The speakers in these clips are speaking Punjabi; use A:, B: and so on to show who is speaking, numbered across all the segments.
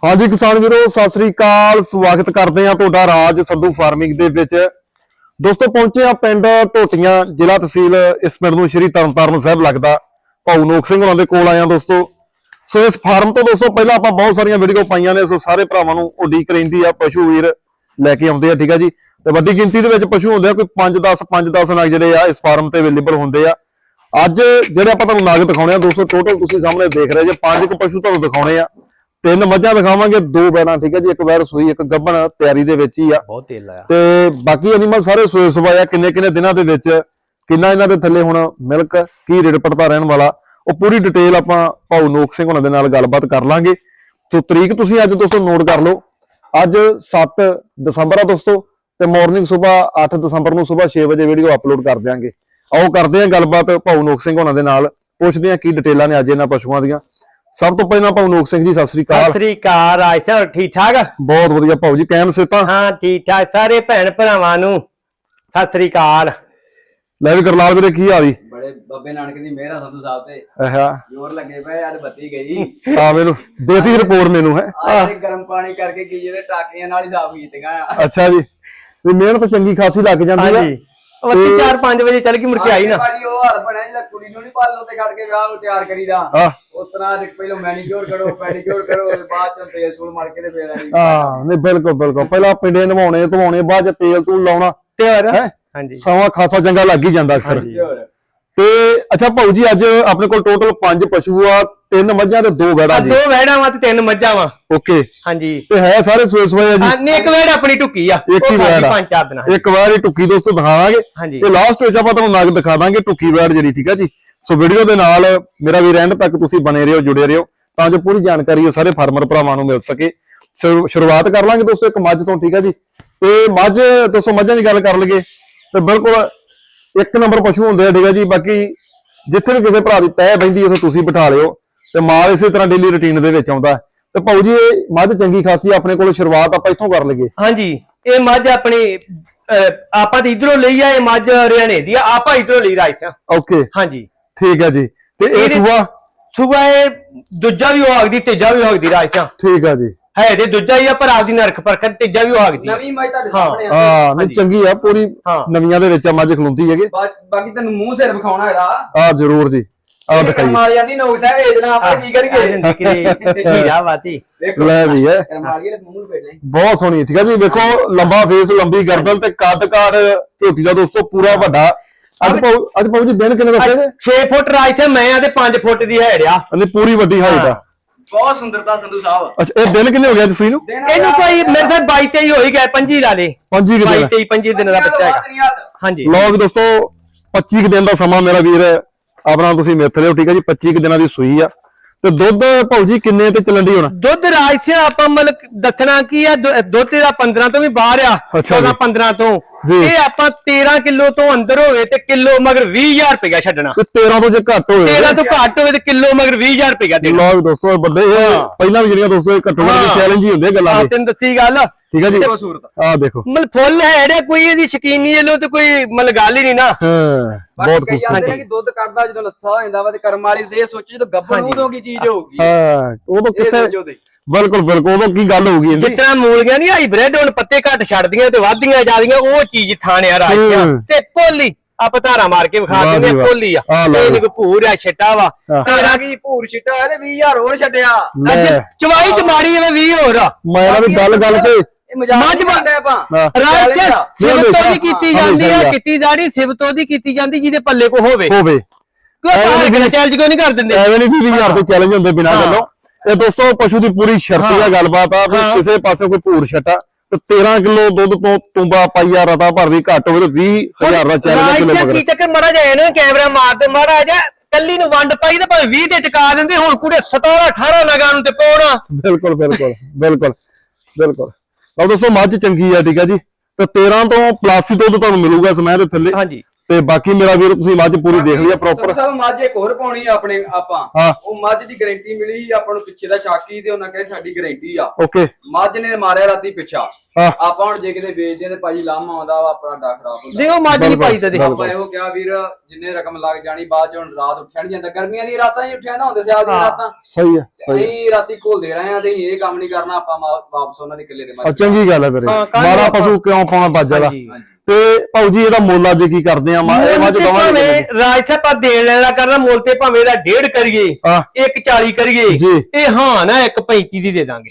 A: हाँ जी किसान वीरो सत श्री अकाल स्वागत करते हैं तुहाडा राज संधू फार्मिंग दे विच। दोस्तों पहुंचे आ पिंड ढोटियां जिला तहसील इस पिंड नूं श्री तरनतारण साहिब लगदा भाऊ नोक सिंह होरां दे कोल आए दोस्तों। सो इस फार्म तो दोस्तों पहला आपां बहुत सारियां वीडियो पाईयां ने, सो सारे भरावां नूं उडीक रहिंदी आ, पशु वीर लैके आउंदे आ। ठीक है जी, ते वड्डी गिनती दे विच पशु हुंदे आ, कोई 5-10 नग जिहड़े आ इस फार्म ते अवेलेबल हुंदे आ। अज जिहड़े आपां तुहानूं नग दिखाउणे आ दोस्तों, टोटल तुसीं सामने देख रहे जे 5 पशु तुहानूं दिखाउणे आ। 3 मझां दिखावांगे, 2 बैलां। ठीक है जी, एक वैर सूई एक गब्बन तैयारी दे विच ही आ।
B: बहुत तेल आया
A: ते बाकी एनिमल सारे सोए सुभाया किन्ने दिनां दे विच किन्ना इन्हां दे थल्ले हुण मिल्क की रेट पड़ता रहण वाला ਉਹ पूरी डिटेल आपां भाऊ नोक सिंह होणां दे नाल गलबात कर लांगे। सो तरीक तुसीं अज दोस्तों नोट कर लो, अज 7 दसंबर आ दोस्तों, ते मॉर्निंग सुबह 8 दसंबर नूं सुबह 6 बजे वीडियो अपलोड कर देंगे। आओ करते हैं गलबात भाऊ नोक सिंह होणां दे नाल, पुछदे हां की डिटेलां ने अज इन्हां पशुआं दीआं। सब तो पहला भाऊ नोक सिंह जी सत श्री अकाल।
B: सत श्री अकाल राज सर, ठीक ठाक?
A: बहुत वधिया भाऊ जी, कैम सेता?
B: हाँ ठीक ठाक, सारे भैन भरावां नूं सत श्री अकाल।
A: ਲੈ ਵੀ ਕਰਲਾਲ ਵੀਰੇ ਕੀ ਹਾਲ ਜੀ?
C: बड़े बाबे नानक दी मेहर संधू साहब ते
A: ਆਹਾ
C: जोर लगे पे आज बत्ती गई
A: ਆ ਮੈਨੂੰ ਦੇਤੀ ਰਿਪੋਰਟ ਮੈਨੂੰ ਹੈ।
C: आज गर्म पानी करके की जेदे टाकियां नाल ही साफ कीतीਆਂ आ।
A: ਅੱਛਾ ਜੀ, ਵੀ ਮਿਹਨਤ ਚੰਗੀ ਖਾਸੀ ਲੱਗ ਜਾਂਦੀ ਆ।
B: ਹਾਂਜੀ ਉਹ 4-5 ਵਜੇ ਚੱਲ ਕੇ ਮੁੜ ਕੇ ਆਈ ਨਾ।
C: भाजी ओ हाल बनया जिदा कुड़ी नु नहीं पालन ते खड़ के विआह नु तैयार करीदा।
A: ਹਾਂ
C: उतना पहले मैनीक्योर करो पेडीक्योर करो, बाद च तेल तूल मार के ते फेर आई।
A: ਹਾਂ ਨਹੀਂ ਬਿਲਕੁਲ ਪਹਿਲਾਂ ਪਿੰਡੇ ਨਵਾਉਣੇ ਧਵਾਉਣੇ, ਬਾਅਦ ਚ ਤੇਲ ਤੂਲ ਲਾਉਣਾ
B: ਤੇ ਹੋਰ
A: ਹੈ
B: ਹਾਂਜੀ
A: ਸਮਾਂ ਖਾਸਾ ਚੰਗਾ ਲੱਗ ਹੀ ਜਾਂਦਾ ਅਕਸਰ।
C: ਹੋਰ
A: ਤੇ ਅੱਛਾ ਭਾਊ ਜੀ, ਅੱਜ ਆਪਣੇ ਕੋਲ ਟੋਟਲ 5 ਪਸ਼ੂ ਆ, 3 ਮੱਝਾਂ ਤੇ 2 ਗਾੜਾ ਜੀ।
B: 2 ਵਹਿੜਾਂ ਵਾ ਤੇ 3 ਮੱਝਾਂ ਵਾ।
A: ਓਕੇ,
B: ਹਾਂਜੀ
A: ਤੇ ਹੈ ਸਾਰੇ ਸੋਏ ਸੋਏ ਆ ਜੀ।
B: ਨੇ ਇੱਕ ਵਹਿੜ ਆਪਣੀ ਟੁੱਕੀ ਆ,
A: ਇੱਕ ਹੀ ਵਹਿੜ ਆ।
B: 5-4 ਦਿਨਾਂ
A: ਇੱਕ ਵਾਰ ਹੀ ਟੁੱਕੀ ਦੋਸਤੋ ਦਿਖਾਵਾਂਗੇ,
B: ਹਾਂਜੀ
A: ਤੇ ਲਾਸਟ ਵਿੱਚ ਆਪਾਂ ਤੁਹਾਨੂੰ ਨਗ ਦਿਖਾ ਦਾਂਗੇ ਟੁੱਕੀ ਵੈੜ ਜਿਹੜੀ। ਠੀਕ ਹੈ ਜੀ, ਸੋ ਵੀਡੀਓ ਦੇ ਨਾਲ ਮੇਰਾ ਵੀ ਐਂਡ ਤੱਕ ਤੁਸੀਂ ਬਣੇ ਰਹੋ, ਜੁੜੇ ਰਹੋ, ਤਾਂ ਜੋ ਪੂਰੀ ਜਾਣਕਾਰੀ ਉਹ ਸਾਰੇ ਫਾਰਮਰ ਭਰਾਵਾਂ ਨੂੰ ਮਿਲ ਸਕੇ। ਸ਼ੁਰੂਆਤ ਕਰ ਲਾਂਗੇ ਦੋਸਤੋ ਇੱਕ ਮੱਝ ਤੋਂ। ਠੀਕ ਹੈ ਜੀ, ਤੇ ਮੱਝ ਦੋਸਤੋ ਮੱਝਾਂ ਦੀ ਗੱਲ ਕਰ ਲਈਏ ਤੇ ਬਿਲਕੁਲ 1 ਨੰਬਰ ਪਸ਼ੂ ਹੁੰਦੇ ਆ। ਠੀਕ ਹੈ ਜੀ, ਬਾਕੀ ਜਿੱਥੇ ਵੀ ਕਿਸੇ ਭਰਾ ਦੀ ਤਹਿ ਬੈਂਦੀ ਉਥੇ ਤੁਸੀਂ ਬਿਠਾ ਲਿਓ, ਤੇ ਮਾਲ ਇਸੇ ਤਰ੍ਹਾਂ ਡੇਲੀ ਰੁਟੀਨ ਦੇ ਵਿੱਚ ਆਉਂਦਾ। ਤੇ ਭਾਊ ਜੀ ਇਹ ਮੱਝ ਚੰਗੀ ਖਾਸੀ ਆਪਣੇ ਕੋਲ, ਸ਼ੁਰੂਆਤ ਆਪਾਂ ਇੱਥੋਂ ਕਰ ਲਈਏ।
B: ਹਾਂਜੀ ਇਹ ਮੱਝ ਆਪਣੀ ਆਪਾਂ ਤੇ ਇਧਰੋਂ ਲਈ ਆ, ਇਹ ਮੱਝ ਹਰਿਆਣੇ ਦੀ ਆ, ਆਪਾਂ ਇਧਰੋਂ ਲਈ ਰਾਜ ਸਿਆ।
A: ਓਕੇ
B: ਹਾਂਜੀ
A: ਠੀਕ ਹੈ ਜੀ, ਤੇ ਇਹ
B: ਸੁਬਾ ਇਹ ਦੂਜਾ ਵੀ ਹੋ ਸਕਦੀ, ਤੀਜਾ ਵੀ ਹੋ ਸਕਦੀ ਰਾਜ ਸਿਆ।
A: ਠੀਕ ਹੈ ਜੀ,
B: ਹੈ ਤੇ ਦੂਜਾ ਹੀ ਆ, ਪਰ ਆਪਦੀ ਨਰਖ ਪਰਖ ਤੀਜਾ ਵੀ ਹੋ ਸਕਦੀ।
C: ਨਵੀਂ ਮੈਂ ਤੁਹਾਡੇ
B: ਹਾਂ।
C: ਸਾਹਮਣੇ ਆ।
A: ਹਾਂ ਨਹੀਂ ਚੰਗੀ ਆ, ਪੂਰੀ ਨਵੀਆਂ ਦੇ ਵਿੱਚ ਮੱਝ ਖਲੋਂਦੀ ਹੈਗੇ।
C: ਬਾਕੀ ਤੈਨੂੰ ਮੂੰਹ ਸਿਰ ਵਿਖਾਉਣਾ ਹੈਗਾ
A: ਆ ਜ਼ਰੂਰ ਜੀ, ਆ ਦਿਖਾਈਏ।
C: ਕਰਮਾਲੀਆਂ ਦੀ ਨੋਕ ਸਾਹਿਬ ਵੇਚਣਾ ਆਪਾਂ ਕੀ ਕਰੀਏ।
B: ਹੀਰਾ ਵਾਤੀ
A: ਲੈ ਵੀ ਹੈ,
C: ਕਰਮਾਲੀਆਂ ਦੇ ਮੂੰਹ ਫੇੜਨੇ
A: ਬਹੁਤ ਸੋਹਣੀ। ਠੀਕ ਹੈ ਜੀ, ਵੇਖੋ ਲੰਬਾ ਫੇਸ, ਲੰਬੀ ਗਰਦਨ ਤੇ ਕੱਦ ਕਾਠ ਝੋਟੀ ਦਾ ਦੋਸਤੋ ਪੂਰਾ ਵੱਡਾ। ਅੱਜ ਭਾਊ ਜੀ ਦਿਨ ਕਿੰਨੇ ਦੱਸੇ ਨੇ?
B: 6 ਫੁੱਟ ਰਾਜ ਤੇ ਮੈਂ ਆ ਤੇ 5 ਫੁੱਟ ਦੀ ਹੈੜ ਆ।
A: ਇਹਦੀ ਪੂਰੀ ਵੱਡੀ ਹਾਈਟ ਆ।
C: ਬਹੁਤ ਸੁੰਦਰਤਾ ਸੰਧੂ ਸਾਹਿਬ।
A: ਅੱਛਾ ਇਹ ਦਿਨ ਕਿੰਨੇ ਹੋ ਗਿਆ ਤੁਸੀਂ ਨੂੰ?
B: ਇਹਨੂੰ ਕੋਈ ਮੇਰੇ ਸਾਹ 22-23 ਹੋ ਹੀ ਗਿਆ, 25 ਲਾ ਲੇ। 22-23 ਦਿਨ ਦਾ ਬੱਚਾ ਹੈਗਾ। ਹਾਂਜੀ
A: ਲੋਕ ਦੋਸਤੋ 25 ਦਿਨ ਦਾ ਸਮਾਂ ਮੇਰਾ ਵੀਰ ਆਪਣਾ ਤੁਸੀਂ ਮਿੱਥ ਲਿਓ। ਠੀਕ ਹੈ ਜੀ, 25 ਦਿਨਾਂ ਦੀ ਸੂਈ ਆ। ਤੇ ਦੁੱਧ ਭਾਊ ਜੀ ਕਿੰਨੇ ਤੇ ਚੱਲਣ ਦੀ ਹੋਣਾ?
B: ਦੁੱਧ ਰਾਜ ਸੇ ਆਪਾਂ ਮਤਲਬ ਦੱਸਣਾ ਕੀ ਆ, ਦੁੱਧ ਦਾ 15 ਤੋਂ ਵੀ ਬਾਹਰ ਆ, 14-15 ਤੋਂ। ਇਹ ਆਪਾਂ 13 ਕਿਲੋ ਤੋਂ ਅੰਦਰ ਹੋਵੇ ਤੇ ਕਿਲੋ ਮਗਰ 20,000 ਰੁਪਇਆ ਛੱਡਣਾ।
A: 13 ਤੋਂ ਜੇ ਘੱਟ ਹੋਵੇ,
B: 13 ਤੋਂ ਘੱਟ ਹੋਵੇ ਤੇ ਕਿਲੋ ਮਗਰ 20,000 ਰੁਪਇਆ ਦੇਣਾ।
A: ਲੋਕ ਦੋਸਤੋ ਵੱਡੇ ਪਹਿਲਾਂ ਵੀ ਜਿਹੜੀਆਂ ਦੋਸਤੋ ਘੱਟੋ ਘੱਟ ਚੈਲੰਜ ਹੀ ਹੁੰਦੇ ਗੱਲਾਂ ਦੇ।
B: ਤੈਨੂੰ ਦੱਸੀ ਗੱਲ।
A: ਠੀਕ ਹੈ ਜੀ, ਆ ਦੇਖੋ
B: ਮਤਲਬ ਫੁੱਲ ਹੈ ਕੋਈ ਇਹਦੀ ਸ਼ਕੀਨੀ ਵੱਲੋਂ ਤੇ ਕੋਈ ਮਤਲਬ ਗੱਲ ਹੀ ਨਹੀਂ ਨਾ।
A: ਬਹੁਤ
C: ਕਈ ਆਂਦੇ ਨੇ ਕਿ ਦੁੱਧ ਕੱਢਦਾ ਜਦੋਂ ਲੱਸਾ ਹੋ ਜਾਂਦਾ ਵਾ ਤੇ ਕਰਮ ਵਾਲੀ ਇਹ ਸੋਚੀ ਜਦੋਂ ਗੱਭਰੂ ਉਦੋਂ ਕੀ ਚੀਜ਼ ਹੋਊਗੀ।
A: ਹਾਂ ਉਦੋਂ ਕਿੱਥੇ, ਬਿਲਕੁਲ ਉਦੋਂ ਕੀ ਗੱਲ ਹੋਊਗੀ।
B: ਜਿਸ ਤਰ੍ਹਾਂ ਮੂਲੀਆਂ ਨਹੀਂ ਹਾਈਬ੍ਰਿਡ ਹੁਣ ਪੱਤੇ ਘੱਟ ਛੱਡਦੀਆਂ ਤੇ ਵੱਧਦੀਆਂ ਜਾਂਦੀਆਂ, ਉਹ ਚੀਜ਼ ਥਾਣਿਆ ਰਾਜਿਆ ਤੇ ਭੋਲੀ ਆਪਾਂ ਧਾਰਾ ਮਾਰ ਕੇ ਵਿਖਾ ਦਿੰਦੇ ਆ। ਭੋਲੀ ਆ, ਇਹ ਨਹੀਂ ਕੋਈ ਭੂਰ ਆ, ਛਿੱਟਾ ਵਾ।
C: ਤੇਰਾ ਕੀ ਭੂਰ ਛਿੱਟਾ ਹੋਇਆ ਤੇ 20,000 ਹੋਰ ਛੱਡਿਆ।
B: ਚਵਾਈ ਚ ਮਾਰੀ ਐਵੇਂ 20 ਹੋਰ ਆ।
A: ਮੈਂ ਵੀ ਗੱਲ ਤੇ
C: ਮੱਝ ਬਣਦਾ ਆਪਾਂ
B: ਰਾਜ ਸਿਵਤੋਂ ਦੀ ਕੀਤੀ ਜਾਂਦੀ ਆ, ਕੀਤੀ ਜਾਣੀ ਸਿਵਤੋਂ ਦੀ ਕੀਤੀ ਜਾਂਦੀ ਜਿਹਦੇ ਪੱਲੇ ਕੋ ਹੋਵੇ। ਚੈਲੰਜ ਕਿਉਂ ਨਹੀਂ ਕਰ ਦਿੰਦੇ?
A: ਐਵੇਂ ਨਹੀਂ 20,000 ਤੇ ਚੈਲੰਜ ਹੁੰਦੇ ਬਿਨਾਂ ਗੱਲੋਂ। ਇਹ ਦੋਸਤੋ ਪਸ਼ੂ ਦੀ ਪੂਰੀ ਸ਼ਰਤੀ ਦਾ ਗੱਲਬਾਤ ਆ, ਕਿਸੇ ਪਾਸੇ ਕੋਈ ਭੂਰ ਛੱਟਾ ਤੇ 13 ਕਿਲੋ ਦੁੱਧ ਤੋਂ ਤੁੰਬਾ ਪਾਈਆ ਰਤਾ ਭਰ ਵੀ ਘੱਟ ਹੋਵੇ ਤੇ 20,000 ਦਾ ਚੈਲੰਜ ਕਿਲੋ ਮਗਰ।
B: ਕੀ ਚੱਕਰ ਮਾੜਾ ਜਾਏ ਨਾ, ਕੈਮਰਾ ਮਾਰ ਤੇ ਮਾੜਾ ਜਾ ਕੱਲੀ ਨੂੰ ਵੰਡ ਪਾਈ ਤੇ ਭਾਵੇਂ 20 ਤੇ ਟਿਕਾ ਦਿੰਦੇ। ਹੁਣ ਕੁੜੇ 17-18 ਲਗਾਂ ਨੂੰ ਤੇ ਪਾਉਣਾ।
A: ਬਿਲਕੁਲ ਲਓ ਦੋਸਤੋ ਮੱਝ ਚੰਗੀ ਆ। ਠੀਕ ਹੈ ਜੀ, ਤੇ 13 ਤੋਂ ਪਲੱਸ ਹੀ ਦੁੱਧ ਤੁਹਾਨੂੰ ਮਿਲੂਗਾ ਸਮੇਂ ਦੇ ਥੱਲੇ।
B: ਹਾਂਜੀ,
A: ਤੇ ਬਾਕੀ ਮੇਰਾ ਵੀਰ ਤੁਸੀਂ ਮੱਝ ਪੂਰੀ ਦੇਖ ਲਿਆ ਪ੍ਰੋਪਰ।
C: ਸਭ ਮੱਝ ਇੱਕ ਹੋਰ ਪਾਉਣੀ ਆ ਆਪਣੇ ਆਪਾਂ,
A: ਹਾਂ।
C: ਉਹ ਮੱਝ ਦੀ ਗਾਰੰਟੀ ਮਿਲੀ ਆਪਾਂ ਨੂੰ ਪਿੱਛੇ ਦਾ ਸ਼ਾਕੀ ਤੇ ਉਹਨਾਂ ਕਹੇ ਸਾਡੀ ਗਾਰੰਟੀ ਆ।
A: ਓਕੇ।
C: ਮੱਝ ਨੇ ਮਾਰਿਆ ਰਾਤੀ ਪਿੱਛਾ,
A: ਹਾਂ।
C: ਆਪਾਂ ਹੁਣ ਜੇ ਕਿਤੇ ਵੇਚਦੇ ਤੇ ਭਾਜੀ ਲਾਮਾ ਆਉਂਦਾ ਵਾ ਆਪਣਾ ਡਾ ਖਰਾਬ ਹੁੰਦਾ।
B: ਦੇਖੋ ਮੱਝ ਨਹੀਂ ਪਾਈ ਤੇ
C: ਆਪਾਂ ਇਹੋ ਕਿਹਾ ਵੀਰ ਜਿੰਨੇ ਰਕਮ ਲੱਗ ਜਾਣੀ ਬਾਅਦ ਚ ਹੁਣ ਰਾਤ ਉੱਠਿਆ ਨੀ ਜਾਂਦਾ, ਗਰਮੀਆਂ ਦੀ ਰਾਤਾਂ ਹੀ ਉੱਠਿਆ ਨਾ ਹੁੰਦੇ ਸਿਆਲ ਦੀਆਂ ਰਾਤਾਂ।
A: ਸਹੀ ਹੈ।
C: ਅਸੀਂ ਰਾਤੀ ਘੋਲਦੇ ਰਹੇ ਆ ਤੇ ਇਹ ਕੰਮ ਨਹੀਂ ਕਰਨਾ ਆਪਾਂ, ਵਾਪਸ ਉਹਨਾਂ ਦੇ ਕਿੱਲੇ ਦੇ ਮੱਝ।
A: ਚੰਗੀ ਗੱਲ ਹੈ ਵੀਰੇ, ਮਾੜਾ ਪਸ਼ੂ ਕਿਉਂ ਪਾਉਣਾ ਬਾਜਾ ਦਾ। ਤੇ ਭਾਊ ਜੀ ਇਹਦਾ ਮੁੱਲ ਅੱਜ ਕੀ ਕਰਦੇ ਆ? ਇਹ ਮੱਝ ਦਵਾਂਗੇ
B: ਰਾਜ ਸਾਹਿਬ ਆ ਦੇਣ ਲੈਣਾ ਕਰਨਾ ਮੁੱਲ ਤੇ ਭਾਵੇਂ ਇਹਦਾ 1.5 ਕਰੀਏ 1.40 ਕਰੀਏ, ਇਹ ਹਾਂ ਨਾ 1.35 ਦੀ ਦੇ ਦਾਂਗੇ।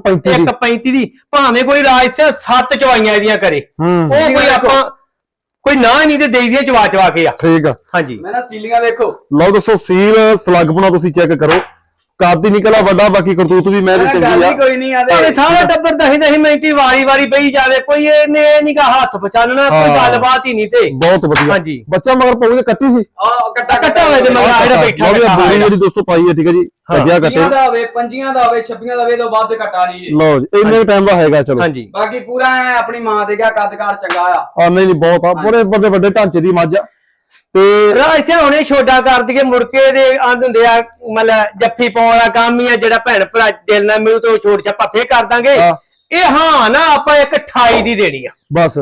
B: 1.35 ਦੀ ਭਾਵੇਂ ਕੋਈ ਰਾਜ ਸਾਹਿਬ 7 ਚਵਾਈਆਂ ਇਹਦੀਆਂ ਕਰੇ, ਉਹ ਕੋਈ ਆਪਾਂ ਕੋਈ ਨਾ ਨਹੀਂ ਤੇ ਦੇਈ ਦੀਆਂ ਚਵਾ ਕੇ ਆ।
A: ਠੀਕ ਆ।
B: ਹਾਂਜੀ
C: ਮੈਂ ਨਾ ਸੀਲੀਆਂ ਵੇਖੋ,
A: ਲਓ ਦੱਸੋ ਸੀਲ ਸਲੱਗਪਣਾ ਤੁਸੀਂ ਚੈੱਕ ਕਰੋ, ਕਾਦੀ ਨਿਕਲਾ ਵੱਡਾ, ਬਾਕੀ ਕਰਤੂਤ ਵੀ ਮੈਂ ਚੰਗੀ ਆ।
C: ਕੋਈ ਨਹੀਂ ਆਦੇ
B: ਭਾਵੇਂ ਸਾਰਾ ਟੱਬਰ ਦਹੀਂ ਮਿੰਟੀ ਵਾਰੀ ਬਈ ਜਾਵੇ, ਕੋਈ ਇਹਨੇ ਨੀਗਾ ਹੱਥ ਪਛਾਣਨਾ, ਕੋਈ ਗੱਲਬਾਤ ਹੀ ਨਹੀਂ ਤੇ
A: ਬਹੁਤ ਵਧੀਆ।
B: ਹਾਂਜੀ
A: ਬੱਚਾ ਮਗਰ ਪਾਉਗੇ ਕੱਟੀ ਸੀ,
C: ਕੱਟਾ
B: ਹੋਵੇ ਤੇ ਮਗਰ ਜਿਹੜਾ ਬੈਠਾ
A: ਜਿਹੜੀ ਦੋਸਤੋ ਪਾਈ ਹੈ। ਠੀਕ ਹੈ ਜੀ, ਕੱਟਿਆ ਕੱਟੇ
C: ਦਾ ਹੋਵੇ, ਪੰਜੀਆਂ ਦਾ ਹੋਵੇ, 26 ਦਾ ਹੋਵੇ, ਤੋਂ ਵੱਧ ਕੱਟਾ ਨਹੀਂ ਜੀ।
A: ਲਓ ਜੀ ਇੰਨੇ ਟਾਈਮ ਦਾ ਹੈਗਾ। ਚਲੋ
B: ਹਾਂਜੀ
C: ਬਾਕੀ ਪੂਰਾ ਆਪਣੀ ਮਾਂ ਦੇ ਗਿਆ ਕੱਦ-ਕਾਠ ਚੰਗਾ ਆ।
A: ਨਹੀਂ ਬਹੁਤ ਆ, ਬੜੇ ਵੱਡੇ ਢਾਂਚੇ ਦੀ ਮੱਝ ਆ। ਤੇ
B: ਰਾਜ ਸਿੰਘ ਹੁਣੇ ਛੋਟਾ ਕਰ ਦਈਏ, ਮੁੜ ਕੇ ਦੇ ਆਂਦ ਹੁੰਦੇ ਆ ਮਤਲਬ ਜੱਫੀ ਪਾਉਣ ਵਾਲਾ ਕੰਮ ਹੀ ਆ, ਜਿਹੜਾ ਭੈਣ ਭਰਾ ਦਿਲ ਨਾਲ ਮਿਲੂ ਤੇ ਛੋਟ ਛੱਪਾ ਫੇਰ ਕਰ ਦਾਂਗੇ। ਇਹ ਹਾਂ ਨਾ ਆਪਾਂ 1.28 ਦੀ ਦੇਣੀ ਆ,
A: ਬਸ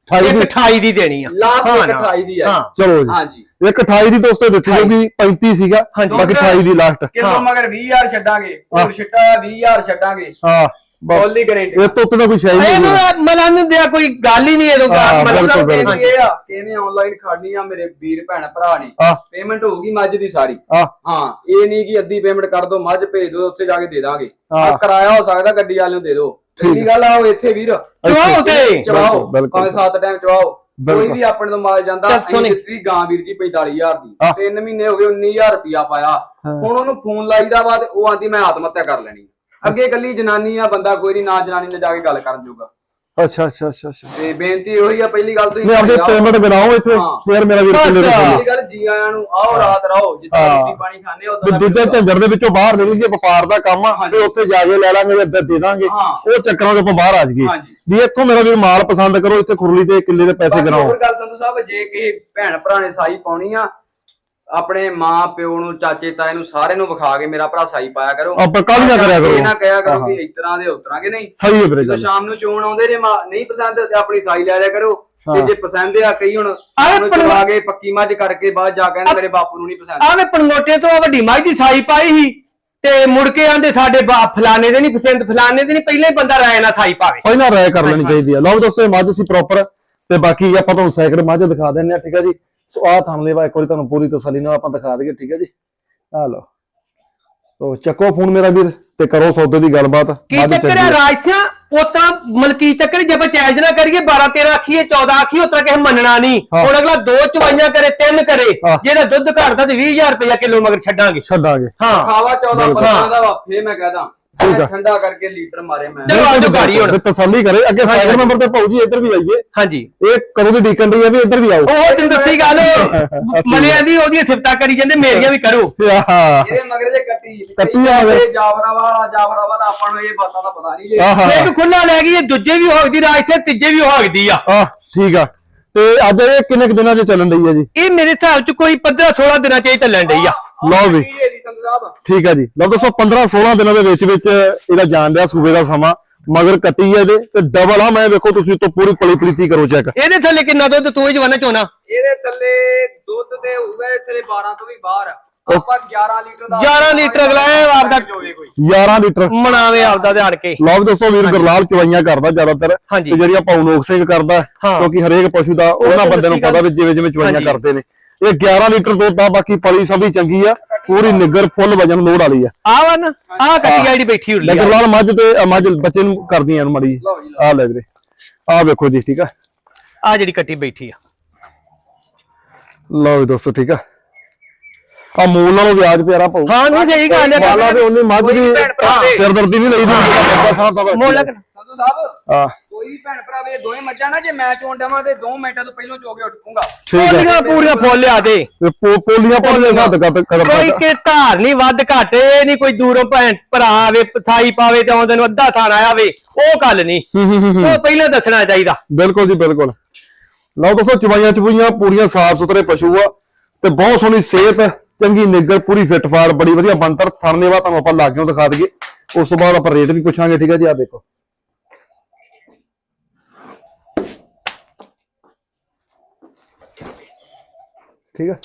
B: 1.28 ਦੀ ਦੇਣੀ ਆ,
C: ਲਾਸਟ 1.28 ਦੀ ਆ।
A: ਚਲੋ ਜੀ ਹਾਂਜੀ 1.28 ਦੀ ਦੋਸਤੋ ਦਿੱਤੀ ਹੋਊਗੀ, 35 ਸੀਗਾ ਬਾਕੀ 28 ਦੀ ਲਾਸਟ।
C: ਕਿਲੋ ਮਗਰ 20,000 ਛੱਡਾਂਗੇ, ਹੋਰ ਛਿੱਟਾ 20,000 ਛੱਡਾਂਗੇ।
A: ਹਾਂ
C: ਬੋਲੀ ਗਾਰੰਟੀ
A: ਇਹ ਤੋਂ ਉੱਤੇ ਦਾ ਕੋਈ ਸ਼ੈ ਨਹੀਂ ਹੈ।
B: ਮਲਾਂ ਨੂੰ ਦਿਆ ਕੋਈ ਗੱਲ ਹੀ ਨਹੀਂ ਇਹਦੋਂ
C: ਮਤਲਬ ਇਹ ਆ ਕਿ ਇਹਨੇ ਆਨਲਾਈਨ ਖੜਨੀ ਆ ਮੇਰੇ ਵੀਰ ਭੈਣ ਭਰਾ ਨੇ, ਪੇਮੈਂਟ ਹੋਊਗੀ ਮੱਝ ਦੀ ਸਾਰੀ। ਹਾਂ ਇਹ ਨਹੀਂ ਕਿ ਅੱਧੀ ਪੇਮੈਂਟ ਕਰ ਦੋ ਮੱਝ ਭੇਜ ਦੋ, ਉੱਥੇ ਜਾ ਕੇ ਦੇ ਦਾਂਗੇ। ਕਿਰਾਇਆ ਹੋ ਸਕਦਾ ਗੱਡੀ ਵਾਲੇ ਨੂੰ ਦੇ ਦੋ, ਪਹਿਲੀ ਗੱਲ ਆਓ ਇੱਥੇ ਵੀਰ
B: ਚਵਾਓ ਤੇ
C: ਚਵਾਓ, ਭਾਵੇਂ 7 ਟਾਈਮ ਚਵਾਓ। ਕੋਈ ਵੀ ਆਪਣੇ ਤੋਂ ਮਾਲ ਜਾਂਦਾ। ਦਿੱਤੀ ਗਾਂ ਵੀਰ ਜੀ 45,000 ਦੀ, 3 ਮਹੀਨੇ ਹੋ ਗਏ 19,000 ਰੁਪਇਆ ਪਾਇਆ। ਹੁਣ ਉਹਨੂੰ ਫੋਨ ਲਾਈਦਾ ਵਾ ਤੇ ਉਹ ਆਂਦੀ ਮੈਂ ਆਤਮ ਹੱਤਿਆ ਕਰ ਲੈਣੀ। ਅੱਗੇ ਕੱਲੀ ਜਨਾਨੀ ਆ, ਬੰਦਾ ਕੋਈ ਨਹੀਂ, ਨਾ ਜਨਾਨੀ ਨੇ ਜਾ ਕੇ ਗੱਲ ਕਰਨ ਜੂਗਾ।
A: ਅੱਛਾ
C: ਤੇ ਬੇਨਤੀ ਉਹੀ ਆ, ਪਹਿਲੀ ਗੱਲ ਤੁਸੀਂ
A: ਆਪਣੀ ਪੇਮੈਂਟ ਬਣਾਓ ਇੱਥੇ, ਫੇਰ ਮੇਰਾ ਵੀਰ ਕਿੰਨੇ ਦੇ
C: ਪਹਿਲੀ ਗੱਲ ਜੀ ਆਇਆਂ ਨੂੰ ਆਓ, ਰਾਤ ਰਹੋ, ਜਿੱਦਾਂ ਰੋਟੀ ਪਾਣੀ ਖਾਣੇ ਉਦਾਂ
A: ਦੂਜੇ ਝੰਜਰ ਦੇ ਵਿੱਚੋਂ ਬਾਹਰ ਨਿਕਲ ਕੇ ਵਪਾਰ ਦਾ ਕੰਮ ਆ, ਤੇ ਉੱਥੇ ਜਾ ਕੇ ਲੈ ਲਾਂਗੇ ਤੇ ਦੇ ਦਾਂਗੇ। ਉਹ ਚੱਕਰਾਂ ਤੋਂ ਆਪਾਂ ਬਾਹਰ ਆ ਜਾਈਏ ਵੀ ਇੱਥੋਂ ਮੇਰਾ ਵੀਰ ਮਾਲ ਪਸੰਦ ਕਰੋ, ਇੱਥੇ ਖੁਰਲੀ ਤੇ ਕਿੱਲੇ ਦੇ ਪੈਸੇ ਗਣਾਓ।
C: ਹੋਰ ਗੱਲ ਸੰਧੂ ਸਾਹਿਬ, ਜੇ ਕਿਸੇ ਭੈਣ ਭਰਾ ਨੇ ਸਾਈ ਪਾਉਣੀ ਆ, ਆਪਣੇ ਮਾਂ ਪਿਓ ਨੂੰ, ਚਾਚੇ ਤਾਏ ਨੂੰ, ਸਾਰਿਆਂ ਨੂੰ ਵਿਖਾ ਕੇ ਮੇਰਾ ਭਰਾ ਸਾਈ ਪਾਇਆ ਕਰੋ।
A: ਆਪਾਂ ਕੱਲ ਨਾ ਕਰਿਆ ਕਰੋ,
C: ਇਹ ਨਾ ਕਹਿਆ ਕਰੋ ਕਿ ਇਸ ਤਰ੍ਹਾਂ ਦੇ ਉਸ ਤਰ੍ਹਾਂ ਕੇ ਨਹੀਂ।
A: ਸਹੀ ਹੈ ਵੀਰੇ ਗੱਲ।
C: ਸ਼ਾਮ ਨੂੰ ਚੋਣ ਆਉਂਦੇ ਜੇ ਨਹੀਂ ਪਸੰਦ ਤੇ ਆਪਣੀ ਸਾਈ ਲੈ ਲਿਆ ਕਰੋ, ਤੇ ਜੇ ਪਸੰਦ ਆ ਕਈ ਹੁਣ ਚਵਾ ਕੇ ਪੱਕੀ ਮੱਝ ਕਰਕੇ ਬਾਅਦ ਜਾ ਕੇ ਮੇਰੇ ਬਾਪੂ ਨੂੰ ਨਹੀਂ ਪਸੰਦ।
B: ਆਵੇਂ ਪਣਗੋਟੇ ਤੋਂ ਵੱਡੀ ਮੱਝ ਦੀ ਸਾਈ ਪਾਈ ਸੀ ਤੇ ਮੁੜ ਕੇ ਆਂਦੇ ਸਾਡੇ ਫਲਾਣੇ ਦੇ ਨਹੀਂ ਪਸੰਦ, ਫਲਾਣੇ ਦੇ ਨਹੀਂ, ਪਹਿਲਾਂ ਹੀ ਬੰਦਾ ਰਾਏ ਨਾਲ ਸਾਈ ਪਾਵੇ,
A: ਪਹਿਲਾਂ ਰਾਏ ਕਰ ਲੈਣੀ ਚਾਹੀਦੀ ਆ। ਲਓ ਦੋਸਤੋ ਮੱਝ ਸੀ ਪ੍ਰੋਪਰ, ਤੇ ਬਾਕੀ ਆਪਾਂ ਤੁਹਾਨੂੰ ਸੈਕਿੰਡ ਮੱਝ ਦਿਖਾ ਦਿੰਨੇ ਆ। ਠੀਕ ਹੈ ਜੀ, ਸੋ ਆਹ ਥਣ ਲੈਵਾ ਇੱਕ ਵਾਰੀ ਤੁਹਾਨੂੰ ਪੂਰੀ ਤਸੱਲੀ ਨਾਲ ਆਪਾਂ ਦਿਖਾ ਦਈਏ। ਠੀਕ ਹੈ ਜੀ, ਆ ਲਓ। ਸੋ ਚੱਕੋ ਫੋਨ ਮੇਰਾ ਵੀਰ ਤੇ ਕਰੋ ਸੌਦੇ ਦੀ ਗੱਲਬਾਤ।
B: ਕੀ ਚੱਕਰ ਹੈ ਰਾਜ ਸਿੰਘ, ਉਤਰਾ ਮਲਕੀ ਚੱਕਰ ਜੇ ਆਪਾਂ ਚੈਲੰਜ ਨਾ ਕਰੀਏ 12-13 ਆਖੀਏ 14 ਆਖੀਏ, ਉਤਰਾ ਕਿਸੇ ਮੰਨਣਾ ਨਹੀਂ। ਹੁਣ ਅਗਲਾ 2 ਚਵਾਈਆਂ ਕਰੇ 3 ਕਰੇ, ਜਿਹੜਾ ਦੁੱਧ ਘਟਦਾ ਤੇ 20,000 ਰੁਪਇਆ ਕਿਲੋ ਮਗਰ ਛੱਡਾਂਗੇ। ਹਾਂ
C: ਖਾਵਾ 14-15 ਦਾ ਵਾ, ਫੇਰ ਮੈਂ ਕਹਦਾ ਠੰਡਾ ਕਰਕੇ ਲੀਟਰ ਮਾਰੇ ਮੈਂ।
B: ਚਲੋ ਆਜੋ ਗਾੜੀ ਹੁਣ
A: ਤਸੱਲੀ ਕਰੇ। ਅੱਗੇ ਸੈਕਿੰਡ ਨੰਬਰ ਤੇ ਭਾਊ ਜੀ ਇੱਧਰ ਵੀ ਆਈਏ।
B: ਹਾਂਜੀ
A: ਇਹ ਕਦੋਂ ਦੀ ਡੀਕਨ ਰਹੀ ਆ ਵੀ ਇੱਧਰ ਵੀ ਆਓ।
B: ਉਹ ਤੈਨੂੰ ਦੱਸੀ ਗੱਲ ਮਲਿਆਂ ਦੀ ਉਹਦੀਆਂ ਸਿਫਤਾਂ ਕਰੀ ਜਾਂਦੇ, ਮੇਰੀਆਂ ਵੀ ਕਰੋ।
C: ਇਹਦੇ ਮਗਰ ਜੇ ਕੱਟੀ ਜਾਫਰਾਵਾਲਾ ਦਾ ਆਪਾਂ ਨੂੰ ਇਹ ਬਾਤਾਂ ਦਾ ਪਤਾ ਨਹੀਂ ਜੇ।
B: ਇੱਕ ਖੁੱਲਾ ਲੈ ਗਈ, ਦੂਜੇ ਵੀ ਹੋਗਦੀ ਰਾਜ ਸੇ, ਤੀਜੇ ਵੀ ਹੋਗਦੀ ਆ।
A: ਠੀਕ ਆ। ਤੇ ਅੱਜ ਇਹ ਕਿੰਨੇ ਕੁ ਦਿਨਾਂ 'ਚ ਚੱਲਣ ਡਈ ਆ ਜੀ?
B: ਇਹ ਮੇਰੇ ਹਿਸਾਬ 'ਚ ਕੋਈ 15-16 ਦਿਨਾਂ 'ਚ ਇਹ ਚੱਲਣ ਡਈ ਆ।
A: ਲਓ ਵੀ ਠੀਕ ਆ ਜੀ। ਲਓ ਦੱਸੋ 15-16 ਦਿਨਾਂ ਦੇ ਵਿੱਚ ਇਹਦਾ ਜਾਣ ਦਿਆ ਸੂਬੇ ਦਾ ਸਮਾਂ, ਮਗਰ ਕੱਟੀ ਹੈ ਇਹਦੇ ਤੇ ਡਬਲ ਆ। ਮੈਂ ਵੇਖੋ ਤੁਸੀਂ ਤੋਂ ਪੂਰੀ ਪਲੀ ਪ੍ਰੀਤੀ ਕਰੋ ਚੈੱਕ।
B: ਇਹਦੇ ਥੱਲੇ ਕਿੰਨਾ ਦੁੱਧ ਤੂੰ ਇਹ ਜਵਾਨਾ ਚੋਣਾ?
C: ਇਹਦੇ ਥੱਲੇ ਦੁੱਧ ਤੇ ਹੋਊਗਾ ਥੱਲੇ 12 ਤੋਂ ਵੀ ਬਾਹਰ। ਆਪਾਂ 11 ਲੀਟਰ ਦਾ
B: 11 ਲੀਟਰ ਅਗਲਾ ਆਪਦਾ
A: 11 ਲੀਟਰ
B: ਮਨਾਵੇ ਆਪਦਾ ਧਿਆਨ ਕੇ।
A: ਲਓ ਦੱਸੋ ਵੀਰ ਗੁਰਲਾਲ ਚਵਾਈਆਂ ਕਰਦਾ ਜ਼ਿਆਦਾਤਰ, ਤੇ ਜਿਹੜੀ ਆਪਾਂ ਨੋਕ ਸਿੰਘ ਕਰਦਾ, ਕਿਉਂਕਿ ਹਰੇਕ ਪਸ਼ੂ ਦਾ ਉਹਨਾਂ ਬੰਦੇ ਨੂੰ ਪਤਾ ਵੀ ਜਿਵੇਂ ਚਵਾਈਆਂ ਕਰਦੇ ਨੇ। ਇਹ 11 ਲੀਟਰ ਦੁੱਧ ਆ, ਬਾਕੀ ਪਲੀ ਸਭ ਵੀ ਚੰਗੀ ਆ, ਪੂਰੀ ਨਿੱਗਰ ਫੁੱਲ ਵਜਨ ਲੋੜ ਵਾਲੀ ਆ।
B: ਆ ਵਨ ਆ ਕੱਟੀ ਜਿਹੜੀ ਬੈਠੀ ਹੋਈ
A: ਆ ਗੁਰਲਾਲ ਮੱਝ ਤੇ ਮੱਝ ਬੱਚੇ ਨੂੰ ਕਰਦੀਆਂ ਮੜੀ। ਆ ਲੈ ਵੀਰੇ, ਆ ਵੇਖੋ ਜੀ। ਠੀਕ ਆ,
B: ਆ ਜਿਹੜੀ ਕੱਟੀ ਬੈਠੀ ਆ।
A: ਲਓ ਦੋਸਤੋ ਠੀਕ ਆ, ਆ ਮੂਲ ਨਾਲੋਂ ਵਿਆਜ ਪਿਆਰਾ ਪਾਉ।
B: ਹਾਂ ਨਹੀਂ ਸਹੀ ਗੱਲ ਹੈ।
A: ਮਾਲਾ ਵੀ ਉਹਨੇ ਮੱਝ ਦੀ ਸਿਰਦਰਦੀ ਨਹੀਂ ਲਈ ਦੀ
B: ਮੋਲ
C: ਸੰਧੂ ਸਾਹਿਬ। ਕੋਈ ਵੀ ਭੈਣ ਭਰਾ ਵੇ ਦੋਵੇਂ ਮੱਝਾਂ ਨਾ, ਜੇ ਮੈਂ ਚੋਣ ਦੇਵਾਂ ਤੇ 2 ਮਿੰਟਾਂ ਤੋਂ ਪਹਿਲਾਂ ਚੋ ਕੇ ਉੱਠੂਗਾ।
B: ਪੂਰੀਆਂ ਫੁੱਲ ਲਿਆ ਦੇ,
A: ਪੋਲੀਆਂ ਹੱਦ
B: ਕੋਈ ਕਿ ਧਾਰ ਨਹੀਂ ਵੱਧ ਘੱਟ, ਇਹ ਨਹੀਂ ਕੋਈ ਦੂਰੋਂ ਭੈਣ ਭਰਾ ਆਵੇ ਸਾਈ ਪਾਵੇ ਤੇ ਆਉਂਦੇ ਨੂੰ ਅੱਧਾ ਥਾਣਾ ਆਵੇ, ਉਹ ਗੱਲ ਨਹੀਂ, ਉਹ ਪਹਿਲਾਂ ਦੱਸਣਾ ਚਾਹੀਦਾ।
A: ਬਿਲਕੁਲ ਜੀ ਬਿਲਕੁਲ। ਲਓ ਦੋਸਤੋ ਚਵਾਈਆਂ ਚਪੂਈਆਂ ਪੂਰੀਆਂ ਸਾਫ ਸੁਥਰੇ ਪਸ਼ੂ ਆ ਤੇ ਬਹੁਤ ਸੋਹਣੀ ਸਿਹਤ, ਚੰਗੀ ਨਿੱਗਰ, ਪੂਰੀ ਫਿੱਟ ਫਾੜ, ਬੜੀ ਵਧੀਆ ਬਣਤਰ। ਥਣਨੇ ਵਾ ਤੁਹਾਨੂੰ ਆਪਾਂ ਲਾਗਿਓਂ ਦਿਖਾ ਦਈਏ, ਉਸ ਤੋਂ ਬਾਅਦ ਆਪਾਂ ਰੇਟ ਵੀ ਪੁੱਛਾਂਗੇ। ਠੀਕ ਹੈ ਜੀ, ਆ ਦੇਖੋ ਠੀਕ ਹੈ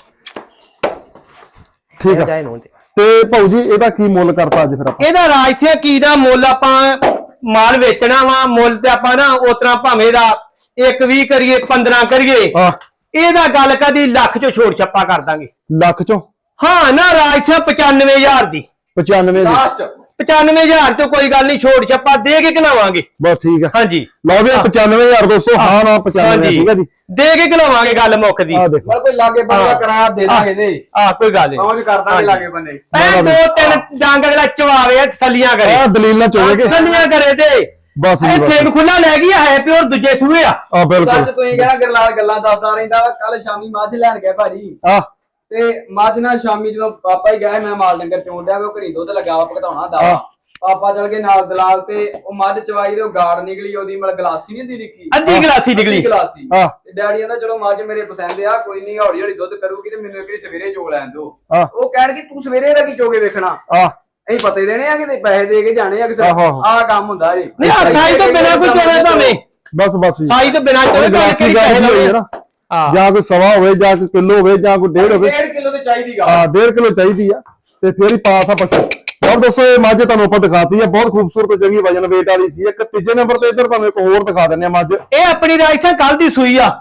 A: ਠੀਕ ਹੈ। ਤੇ ਭਾਊ ਜੀ ਇਹਦਾ ਕੀ ਮੁੱਲ ਕਰਤਾ ਅੱਜ ਫਿਰ ਆਪਾਂ?
B: ਇਹਦਾ ਰਾਜਸਿਆ ਕੀ ਦਾ ਮੁੱਲ ਆਪਾਂ ਮਾਲ ਵੇਚਣਾ ਵਾ, ਮੁੱਲ ਤੇ ਆਪਾਂ ਨਾ ਉਤਰਾ ਭਾਵੇਂ ਦਾ 1-20 ਕਰੀਏ 15 ਕਰੀਏ, ਇਹਦਾ ਗੱਲ ਕਦੀ ਲੱਖ ਚੋਂ ਛੋੜ ਛੱਪਾ ਕਰ ਦਾਂਗੇ।
A: ਲੱਖ ਚੋਂ?
B: ਹਾਂ ਨਾ ਰਾਜਸਿਆ 95,000 ਦੀ।
A: 95
C: ਲਾਸਟ
B: 95,000 ਤੋਂ ਕੋਈ ਗੱਲ ਨਹੀਂ, ਛੋੜ ਛੱਪਾ ਦੇ ਕੇ ਖਿਲਾਵਾਂਗੇ।
A: ਬਸ ਠੀਕ ਹੈ।
B: ਹਾਂਜੀ
A: ਲਓ ਵੀ 95,000 ਦੋਸਤੋ। ਹਾਂ ਨਾ 95 ਠੀਕ ਹੈ ਜੀ,
B: ਦੇ ਕੇ ਖਿਲਾਵਾਂਗੇ, ਗੱਲ ਮੁੱਕਦੀ।
A: ਆ ਦੇਖੋ
C: ਮਤਲਬ ਕੋਈ ਲਾਗੇ ਬੰਦਾ ਕਿਰਾਇਆ ਦੇ ਦਾਂਗੇ ਦੇ।
B: ਕੋਈ ਗੱਲ ਨਹੀਂ,
C: ਪਹੁੰਚ ਕਰ ਦਾਂਗੇ ਲਾਗੇ ਬੰਦੇ।
B: ਐ 2-3 ਡੰਗ ਅਗਲਾ ਚਵਾਵੇ, ਤਸੱਲੀਆਂ ਕਰੇ।
A: ਆ ਦਲੀਲ ਨਾ ਚੋਵੇਗੇ,
B: ਤਸੱਲੀਆਂ ਕਰੇ ਤੇ
A: ਬਸ ਜੀ ਬਸ।
B: ਛੇਕ ਖੁੱਲਾ ਲੈ ਗਈ ਹੈ ਪਿਓਰ ਦੂਜੇ ਸੂਏ ਆ।
A: ਬਿਲਕੁਲ।
C: ਸੱਚ ਤੁਸੀਂ ਕਹਿਣਾ ਗਰਲਾਲ ਗੱਲਾਂ ਦੱਸਦਾ ਰਹਿੰਦਾ ਵਾ। ਕੱਲ ਸ਼ਾਮੀ ਮੱਝ ਲੈਣ ਗਿਆ ਭਾਜੀ, ਤੇ ਮੱਝ ਨਾਲ ਸ਼ਾਮੀ ਜਦੋਂ ਪਾਪਾ ਹੀ ਗਏ, ਮੈਂ ਮਾਲ ਡੰਗਰ ਚੋਣ ਡਿਆ, ਉਹ ਘਰੀ ਦੁੱਧ ਲੱਗਾ ਵਾ ਭਗਤਾਉਣਾ ਦਾ। ਪਾਪਾ ਚਲ ਗਏ ਨਾਲ ਦਲਾਲ, ਤੇ ਉਹ ਮੱਝ ਚਵਾਈ ਤੇ ਉਹ ਗਾੜ ਨਿਕਲੀ, ਉਹਦੀ ਮਤਲਬ ਗਲਾਸੀ ਨਹੀਂ ਹੁੰਦੀ ਨਿੱਕੀ,
B: ਅੱਧੀ ਗਲਾਸੀ ਨਿਕਲੀ।
C: ਗਲਾਸੀ। ਤੇ ਡੈਡੀ ਕਹਿੰਦਾ ਚਲੋ ਮੱਝ ਮੇਰੇ ਪਸੰਦ ਆ, ਕੋਈ ਨਹੀਂ ਹੌਲੀ ਹੌਲੀ ਦੁੱਧ ਕਰੂਗੀ, ਤੇ ਮੈਨੂੰ ਇੱਕ ਵਾਰੀ ਸਵੇਰੇ ਚੋ ਲੈਣ ਦੋ। ਉਹ ਕਹਿਣਗੇ ਤੂੰ ਸਵੇਰੇ ਦਾ ਕੀ ਚੋਗੇ ਵੇਖਣਾ, ਅਸੀਂ ਪਤੇ ਦੇਣੇ ਆ, ਕਿਤੇ ਪੈਸੇ ਦੇ ਕੇ ਜਾਣੇ ਆ, ਕਿਸੇ ਆਹ ਕੰਮ ਹੁੰਦਾ ਜੀ।
B: ਨਹੀਂ ਸਾਈ ਤੋਂ ਬਿਨਾਂ ਕੋਈ ਚੋਵੇ ਭਾਵੇਂ,
A: ਬਸ
B: ਸਾਈ ਤੋਂ ਬਿਨਾਂ ਚੋਵੇ
A: ਜਾਂ ਕੋਈ ਸਵਾ ਹੋਵੇ, ਜਾਂ ਕੋਈ ਕਿਲੋ ਹੋਵੇ, ਜਾਂ ਕੋਈ 1.5 ਹੋਵੇ।
C: 1.5 ਕਿਲੋ ਤੇ ਚਾਹੀਦੀ ਗਾ।
A: 1.5 ਕਿਲੋ ਚਾਹੀਦੀ ਆ, ਤੇ ਫੇਰ ਹੀ ਪਾਸ ਆ ਪਸ਼ੂ। ਯਾਰ ਦੋਸਤੋ ਇਹ ਮੱਝ ਤੁਹਾਨੂੰ ਆਪਾਂ ਦਿਖਾਤੀ ਆ, ਬਹੁਤ ਖੂਬਸੂਰਤ ਚੰਗੀ ਵਜਨ ਵੇਟ ਵਾਲੀ ਸੀ। ਇੱਕ ਤੀਜੇ ਨੰਬਰ ਤੇ ਇੱਧਰ ਤੁਹਾਨੂੰ ਇੱਕ ਹੋਰ ਦਿਖਾ ਦਿੰਦੇ ਆ ਮੱਝ।
B: ਇਹ ਆਪਣੀ ਰਾਜਸਥਾਨ ਕੱਲ ਦੀ ਸੂਈ ਆ।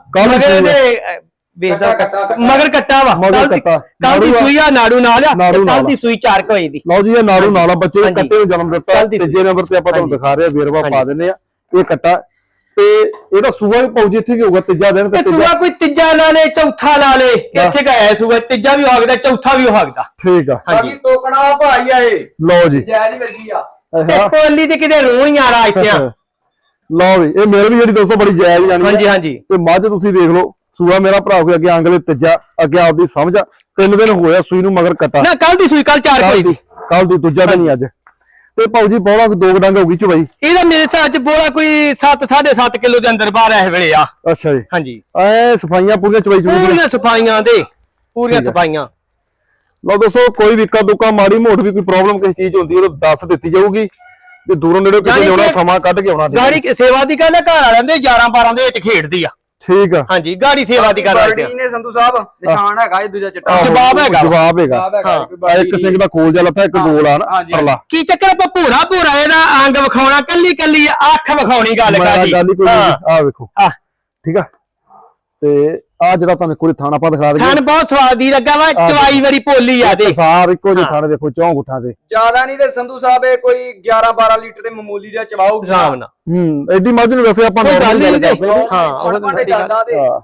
B: ਵੇਖਦਾ ਮਗਰ ਕੱਟਾ ਵਾ, ਕੱਲ ਦੀ ਸੂਈ ਆ, ਨਾੜੂ ਨਾਲ ਆ, ਕੱਲ ਦੀ ਸੂਈ 4 ਵਜੇ ਦੀ।
A: ਲਓ ਜੀ ਇਹ ਨਾੜੂ ਨਾਲ ਆ, ਬੱਚੇ ਕੱਟੇ ਨੂੰ ਜਨਮ ਦਿੱਤਾ। ਤੀਜੇ ਨੰਬਰ ਤੇ ਆਪਾਂ ਤੁਹਾਨੂੰ ਦਿਖਾ ਰਹੇ ਆ, ਵੇਰਵਾ ਪਾ ਦਿੰਦੇ ਆ। ਇਹ ਕੱਟਾ ਤੇ ਇਹਦਾ ਸੂਆ ਵੀ ਪਾਉ ਜੀ ਇੱਥੇ ਕੀ ਹੋਊਗਾ, ਤੀਜਾ ਦਿਨ ਤੇ
B: ਸੂਆ ਕੋਈ ਤੀਜਾ ਲਾ ਲੇ, ਚੌਥਾ ਲਾ ਲੇ, ਇੱਥੇ ਕਾ ਹੈ ਸੂਆ, ਤੀਜਾ ਵੀ ਹੋ ਸਕਦਾ, ਚੌਥਾ ਵੀ ਹੋ ਸਕਦਾ।
A: ਠੀਕ ਆ।
C: ਬਾਕੀ ਤੋਕਣਾ ਭਾਈ ਆ ਇਹ।
A: ਲਓ ਜੀ
C: ਜੈ ਜੀ ਵੱਜੀ ਆ,
B: ਕੋਲੀ ਤੇ ਕਿਤੇ ਰੂਹ ਹੀ ਆ ਰਹਾ ਇੱਥੇ।
A: ਲਓ ਵੀ ਇਹ ਮੇਰੇ ਵੀ ਜਿਹੜੀ ਦੋਸਤੋ ਬੜੀ ਜਾਇਜ਼ ਜਾਨੀ।
B: ਹਾਂਜੀ ਹਾਂਜੀ।
A: ਤੇ ਮੱਝ ਤੁਸੀਂ ਦੇਖ ਲਓ, ਸੂਆ ਮੇਰਾ ਭਰਾ ਕੋਈ ਅੱਗੇ ਅੰਗਲੇ ਤੀਜਾ, ਅੱਗੇ ਆਪਦੀ ਸਮਝ। 3 ਦਿਨ ਹੋਇਆ ਸੂਈ ਨੂੰ, ਮਗਰ ਕੱਟਾ
B: ਨਾ ਕੱਲ ਦੀ ਸੂਈ, ਕੱਲ 4 ਵਜੇ ਦੀ।
A: ਕੱਲ ਦੀ ਦੂਜਾ ਦਿਨ ਹੀ ਅੱਜ। ਤੇ ਭਾਊ ਜੀ ਬੋਲਾ 2 ਡੰਗ ਹੋ ਗਈ ਚਵਾਈ।
B: ਇਹਦਾ ਮੇਰੇ ਹਿਸਾਬ ਚ ਬੋਲਾ ਕੋਈ 7-7.5 ਕਿਲੋ ਦੇ ਅੰਦਰ ਬਾਹਰ ਇਸ ਵੇਲੇ ਆ।
A: ਅੱਛਾ ਜੀ।
B: ਹਾਂਜੀ
A: ਐ ਸਫਾਈਆਂ ਪੂਰੀਆਂ ਚਵਾਈ
B: ਪੂਰੀਆਂ ਸਫਾਈਆਂ ਦੇ, ਪੂਰੀਆਂ ਸਫਾਈਆਂ।
A: ਲਓ ਦੋਸਤੋ ਕੋਈ ਵੀ ਦੁੱਕਾ ਮਾੜੀ ਮੋਟ ਵੀ ਕੋਈ ਪ੍ਰੋਬਲਮ ਕਿਸੇ ਚੀਜ਼ ਹੁੰਦੀ ਉਹ ਦੱਸ ਦਿੱਤੀ ਜਾਊਗੀ। ਤੇ ਦੂਰੋਂ ਨੇੜੇ ਕਿਤੇ ਲਿਆਉਣਾ, ਸਮਾਂ ਕੱਢ ਕੇ ਆਉਣਾ।
B: ਗਾੜੀ ਸੇਵਾ ਦੀ ਗੱਲ ਹੈ, ਘਰ ਵਾਲਿਆਂ ਦੇ 11-12 ਦੇ ਵਿੱਚ ਖੇਡਦੀ ਆ।
A: ਠੀਕ ਆ।
B: ਹਾਂਜੀ ਗਾੜੀ ਸੇਵਾ ਦੀ ਗੱਲ ਹੈ।
C: ਨੇ ਸੰਧੂ ਸਾਹਿਬ ਨਿਸ਼ਾਨ ਹੈਗਾ ਇਹ ਦੂਜਾ ਚਿੱਟਾ,
A: ਜਵਾਬ ਹੈਗਾ। ਇੱਕ ਸਿੰਘ ਦਾ ਖੋਲ ਜਾ ਲੱਥਾ, ਇੱਕ ਗੋਲ ਆ ਨਾ ਪਰਲਾ।
B: ਕੀ ਚੱਕਰ ਆਪਾਂ ਭੂਰਾ ਇਹਦਾ ਅੰਗ ਵਿਖਾਉਣਾ, ਕੱਲੀ ਅੱਖ ਵਿਖਾਉਣੀ ਗੱਲ ਕਾਦੀ।
A: ਆ ਵੇਖੋ ਠੀਕ ਆ। ਤੇ ਆ ਜਿਹੜਾ ਤੁਹਾਨੂੰ ਕੋਈ ਥਾਣਾ ਆਪਾਂ ਦਿਖਾ ਦਈਏ,
B: ਥਣ ਬਹੁਤ ਸਵਾਦੀ ਲੱਗਾ ਵਾ, ਚਵਾਈ ਵਾਰੀ ਭੋਲੀ ਆ ਤੇ
A: ਸਾਰ ਇੱਕੋ ਜਿਹੇ ਥਾਣੇ ਦੇਖੋ, 4 ਗੁੱਠਾਂ ਤੇ।
C: ਜ਼ਿਆਦਾ ਨਹੀਂ ਤੇ ਸੰਧੂ ਸਾਹਿਬ ਇਹ ਕੋਈ 11-12 ਲੀਟਰ ਦੇ ਮਾਮੂਲੀ ਜਿਹਾ ਚਵਾਉਗੀ
B: ਆਰਾਮ ਨਾਲ।
A: ਐਡੀ ਮੱਝ ਨੂੰ ਵੈਸੇ ਆਪਾਂ
B: ਗੱਲ ਨਹੀਂ
A: ਹਾਂ।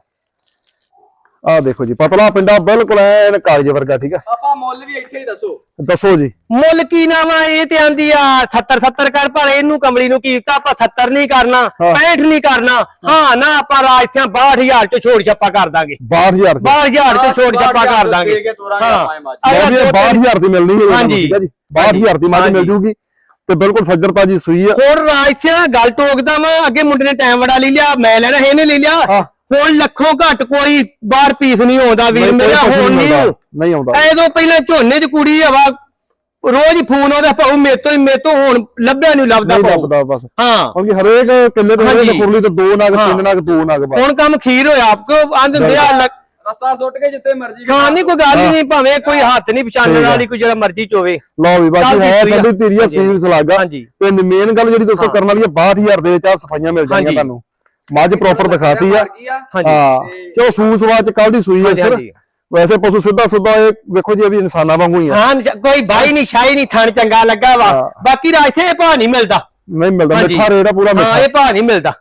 A: ਆ ਦੇਖੋ ਜੀ ਪਤਲਾ ਪਿੰਡਾ, ਬਿਲਕੁਲ ਐਨ ਕਾਗਜ਼ ਵਰਗਾ। ਠੀਕ ਆ।
C: ਆਪਾਂ ਮੁੱਲ ਵੀ ਇੱਥੇ ਹੀ
A: ਦੱਸੋ ਜੀ।
B: ਮੁੱਲ ਕੀ ਨਾ ਵਾ, ਇਹ ਤੇ ਆਂਦੀ ਆ 70 ਕਰ, ਪਰ ਇਹਨੂੰ ਕਮਲੀ ਨੂੰ ਕੀਤਾ ਆਪਾਂ 70 ਨਹੀਂ ਕਰਨਾ, 65 ਨਹੀਂ ਕਰਨਾ। ਹਾਂ ਨਾ ਆਪਾਂ ਰਾਜਸਿਆਂ 62,000 ਚ ਛੋੜ ਛੱਪਾ ਕਰ ਦਾਂਗੇ। 62,000 ਚ ਛੋੜ ਛੱਪਾ ਕਰ ਦਾਂਗੇ।
A: ਹਾਂ 62,000 ਦੀ ਮਿਲਣੀ ਹੈ।
B: ਹਾਂਜੀ
A: 62,000 ਦੀ ਮੱਝ ਮਿਲ ਜੂਗੀ ਤੇ ਬਿਲਕੁਲ ਸੱਜਰਤਾ ਜੀ ਸੂਈ ਆ।
B: ਹੋਰ ਰਾਜਸਿਆਂ ਗੱਲ ਟੋਕਦਾ ਵਾ, ਅੱਗੇ ਮੁੰਡੇ ਨੇ ਟਾਈਮ ਬੜਾ ਲੈ ਲਿਆ, ਮੈਂ ਲੈਣਾ ਇਹਨੇ ਲੈ ਲਿਆ। ਹੁਣ ਲੱਖੋਂ ਘੱਟ ਕੋਈ ਬਾਹਰ ਪੀਸ ਨਹੀਂ ਆਉਂਦਾ ਵੀਰ ਮੇਰਾ, ਹੁਣ ਨਹੀਂ ਆਉਂਦਾ। ਐਦੋਂ ਪਹਿਲਾਂ ਝੋਨੇ ਚ ਕੁੜੀ ਹਵਾ ਰੋਜ਼ ਹੀ ਫੋਨ ਆਉਂਦਾ, ਭਾਉ ਮੇਰੇ ਤੋਂ ਹੁਣ ਲੱਭਿਆ ਨਹੀਂ ਲੱਭਦਾ
A: ਬਸ।
B: ਹਾਂ
A: ਕਿਉਂਕਿ ਹਰੇਕ ਕਿੱਲੇ ਦੇ ਕੁਰਲੀ ਤੇ 2 ਨਗ 3 ਨਗ 2 ਨਗ ਬਸ।
B: ਹੁਣ ਕੰਮ ਖੀਰ ਹੋਇਆ ਆਪਕੋ ਆਂਦੇ
C: ਰਸਾ ਸੁੱਟ ਕੇ ਜਿੱਥੇ ਮਰਜੀ
B: ਹਾਂ, ਨਹੀਂ ਕੋਈ ਗੱਲ ਨਹੀਂ, ਭਾਵੇਂ ਕੋਈ ਹੱਥ ਨਹੀਂ ਪਛਾਣਨ ਵਾਲੀ, ਕੋਈ ਜਿਹੜਾ ਮਰਜੀ ਚੋਵੇ।
A: ਲਓ ਵੀ ਬਾਕੀ ਹੈ ਸੰਧੂ ਤੇਰੀਆ ਸੀਲ ਸਲਾਗਾ। ਤੇ ਮੇਨ ਗੱਲ ਜਿਹੜੀ ਦੋਸਤੋ ਕਰਨ ਵਾਲੀ ਹੈ, 62,000 ਦੇ ਵਿੱਚ ਆ ਸਫਾਈਆਂ ਮਿਲ ਜਾਣਗੀਆਂ ਤੁਹਾਨੂੰ। ਮੱਝ ਪ੍ਰੋਪਰ ਦਿਖਾਤੀ ਆ। ਹਾਂ ਚੋ ਸੂਸਵਾ ਚ ਕੱਲ ਦੀ ਸੂਈ ਹੈ ਸਰ। ਵੈਸੇ ਪਸ਼ੂ ਸਿੱਧਾ ਇਹ ਵੇਖੋ ਜੀ, ਇਹ ਵੀ ਇਨਸਾਨਾਂ ਵਾਂਗੂ ਹੀ ਆ।
B: ਹਾਂ ਕੋਈ ਬਾਈ ਨਹੀਂ ਸ਼ਾਈ ਨਹੀਂ, ਥਣ ਚੰਗਾ ਲੱਗਾ ਵਾ। ਬਾਕੀ ਰਾਜਸੇ ਇਹ ਭਾਅ ਨਹੀਂ ਮਿਲਦਾ,
A: ਨਹੀਂ ਮਿਲਦਾ। ਮਿੱਠਾ ਰੇਟ ਆ ਪੂਰਾ ਮਿੱਠਾ,
B: ਇਹ ਭਾਅ ਨਹੀਂ ਮਿਲਦਾ।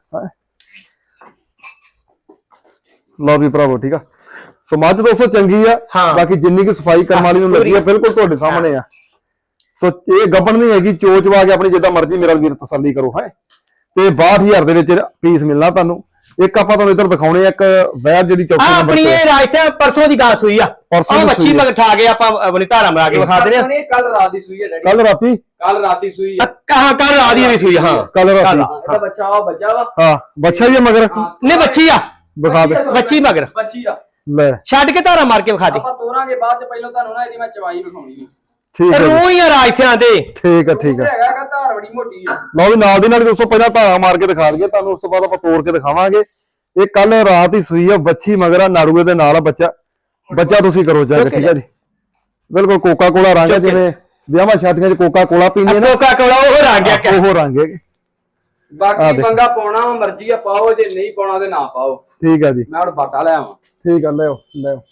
A: ਲਓ ਵੀ ਭਰਾਵੋ ਠੀਕ ਆ। ਸੋ ਮੱਝ ਦੋਸਤੋ ਚੰਗੀ ਆ। ਬਾਕੀ ਜਿੰਨੀ ਕਿ ਸਫਾਈ ਕਰਨ ਵਾਲੀ ਨੂੰ ਲੱਗੀ ਆ, ਬਿਲਕੁਲ ਤੁਹਾਡੇ ਸਾਹਮਣੇ ਆ। ਸੋ ਇਹ ਗੱਬਣ ਨਹੀਂ ਹੈਗੀ, ਚੋਚਵਾ ਕੇ ਆਪਣੀ ਜਿੱਦਾਂ ਮਰਜ਼ੀ ਮੇਰਾ ਵੀਰ ਤਸੱਲੀ ਕਰੋ। ਹੈ ਤੇ 62,000 ਦੇ ਵਿੱਚ ਪੀਸ ਮਿਲਣਾ ਤੁਹਾਨੂੰ। ਇੱਕ ਆਪਾਂ ਤੁਹਾਨੂੰ ਇੱਧਰ ਦਿਖਾਉਣੇ ਇੱਕ ਵੈਰ ਜਿਹੜੀ ਚੌਥੀ ਨੰਬਰ
B: ਆਪਣੀ ਇਹ ਰਾਜਸਿਆਂ ਪਰਸੋਂ ਦੀ ਗੱਲ ਸੂਈ ਆ। ਉਹ ਮੱਛੀ ਮਗਰ ਠਾ ਕੇ ਆਪਾਂ ਆਪਣੀ ਧਾਰਾ ਮਰਾ ਕੇ ਵਿਖਾ ਦਿੰਦੇ ਆ।
C: ਕੱਲ ਰਾਤ ਦੀ ਸੂਈ ਹੈ ਡੈਡੀ,
A: ਕੱਲ ਰਾਤੀ
C: ਸੂਈ
B: ਆ। ਕੱਲ ਰਾਤ ਦੀ ਵੀ ਸੂਈ। ਹਾਂ
A: ਕੱਲ ਰਾਤੀ
C: ਇਹਦਾ ਬੱਚਾ ਵਾ।
A: ਹਾਂ ਬੱਚਾ ਹੀ ਆ ਮਗਰ,
B: ਨਹੀਂ ਬੱਚੀ ਆ।
A: ਵਿਖਾ ਦੇ
B: ਬੱਚੀ ਮਗਰ
C: ਬੱਚੀ ਆ
A: ਲੈ
B: ਛੱਡ ਕੇ ਧਾਰਾ ਮਾਰ ਕੇ ਵਿਖਾ ਦੇ
C: ਆਪਾਂ ਤੋਰਾਂਗੇ ਬਾਅਦ ਚ ਪਹਿਲਾਂ ਤੁਹਾਨੂੰ ਨਾ ਇਹਦੀ ਮੈਂ ਚਵਾਈ ਵਿਖਾਉਣੀ ਹੈ
A: ਠੀਕ ਹੈ ਜੀ।
B: ਰੂਹ ਹੀ ਆ ਰਾਜਸਿਆਂ ਦੇ
A: ਠੀਕ ਹੈ ਠੀਕ ਹੈ
C: ਹੈਗਾ ਧਾਰ ਬੜੀ ਮੋਟੀ ਆ
A: ਲਓ ਵੀ ਨਾਲ ਦੀ ਨਾਲ ਦੋਸਤੋ ਪਹਿਲਾਂ ਧਾਰਾ ਮਾਰ ਕੇ ਦਿਖਾ ਦਈਏ ਤੁਹਾਨੂੰ, ਉਸ ਤੋਂ ਬਾਅਦ ਆਪਾਂ ਤੋੜ ਕੇ ਦਿਖਾਵਾਂਗੇ। ਇਹ ਕੱਲ ਰਾਤ ਹੀ ਸੂਈ ਆ ਬੱਚੀ ਮਗਰ ਆ ਨਾੜੂਏ ਦੇ ਨਾਲ ਆ ਬੱਚਾ ਤੁਸੀਂ ਕਰੋ ਚੈੱਕ ਠੀਕ ਹੈ ਜੀ। ਬਿਲਕੁਲ ਕੋਕਾ ਕੋਲਾ ਰੰਗ ਹੈ, ਜਿਵੇਂ ਵਿਆਹਾਂ ਸ਼ਾਦੀਆਂ 'ਚ ਕੋਕਾ ਕੋਲਾ ਪੀਂਦੇ ਨੇ
B: ਕੋਕਾ ਕੋਲਾ ਉਹ ਰੰਗ ਆ
A: ਉਹ ਰੰਗ ਹੈ।
C: ਬਾਕੀ ਬੰਗਾ ਪਾਉਣਾ ਮਰਜ਼ੀ ਆ ਪਾਓ, ਜੇ ਨਹੀਂ ਪਾਉਣਾ ਤੇ ਨਾ ਪਾਓ।
A: ਠੀਕ ਹੈ ਜੀ,
C: ਮੈਂ ਹੁਣ ਬਾਟਾ ਲੈ ਆਵਾਂ।
A: ਠੀਕ ਆ ਲਿਓ ਲਿਓ।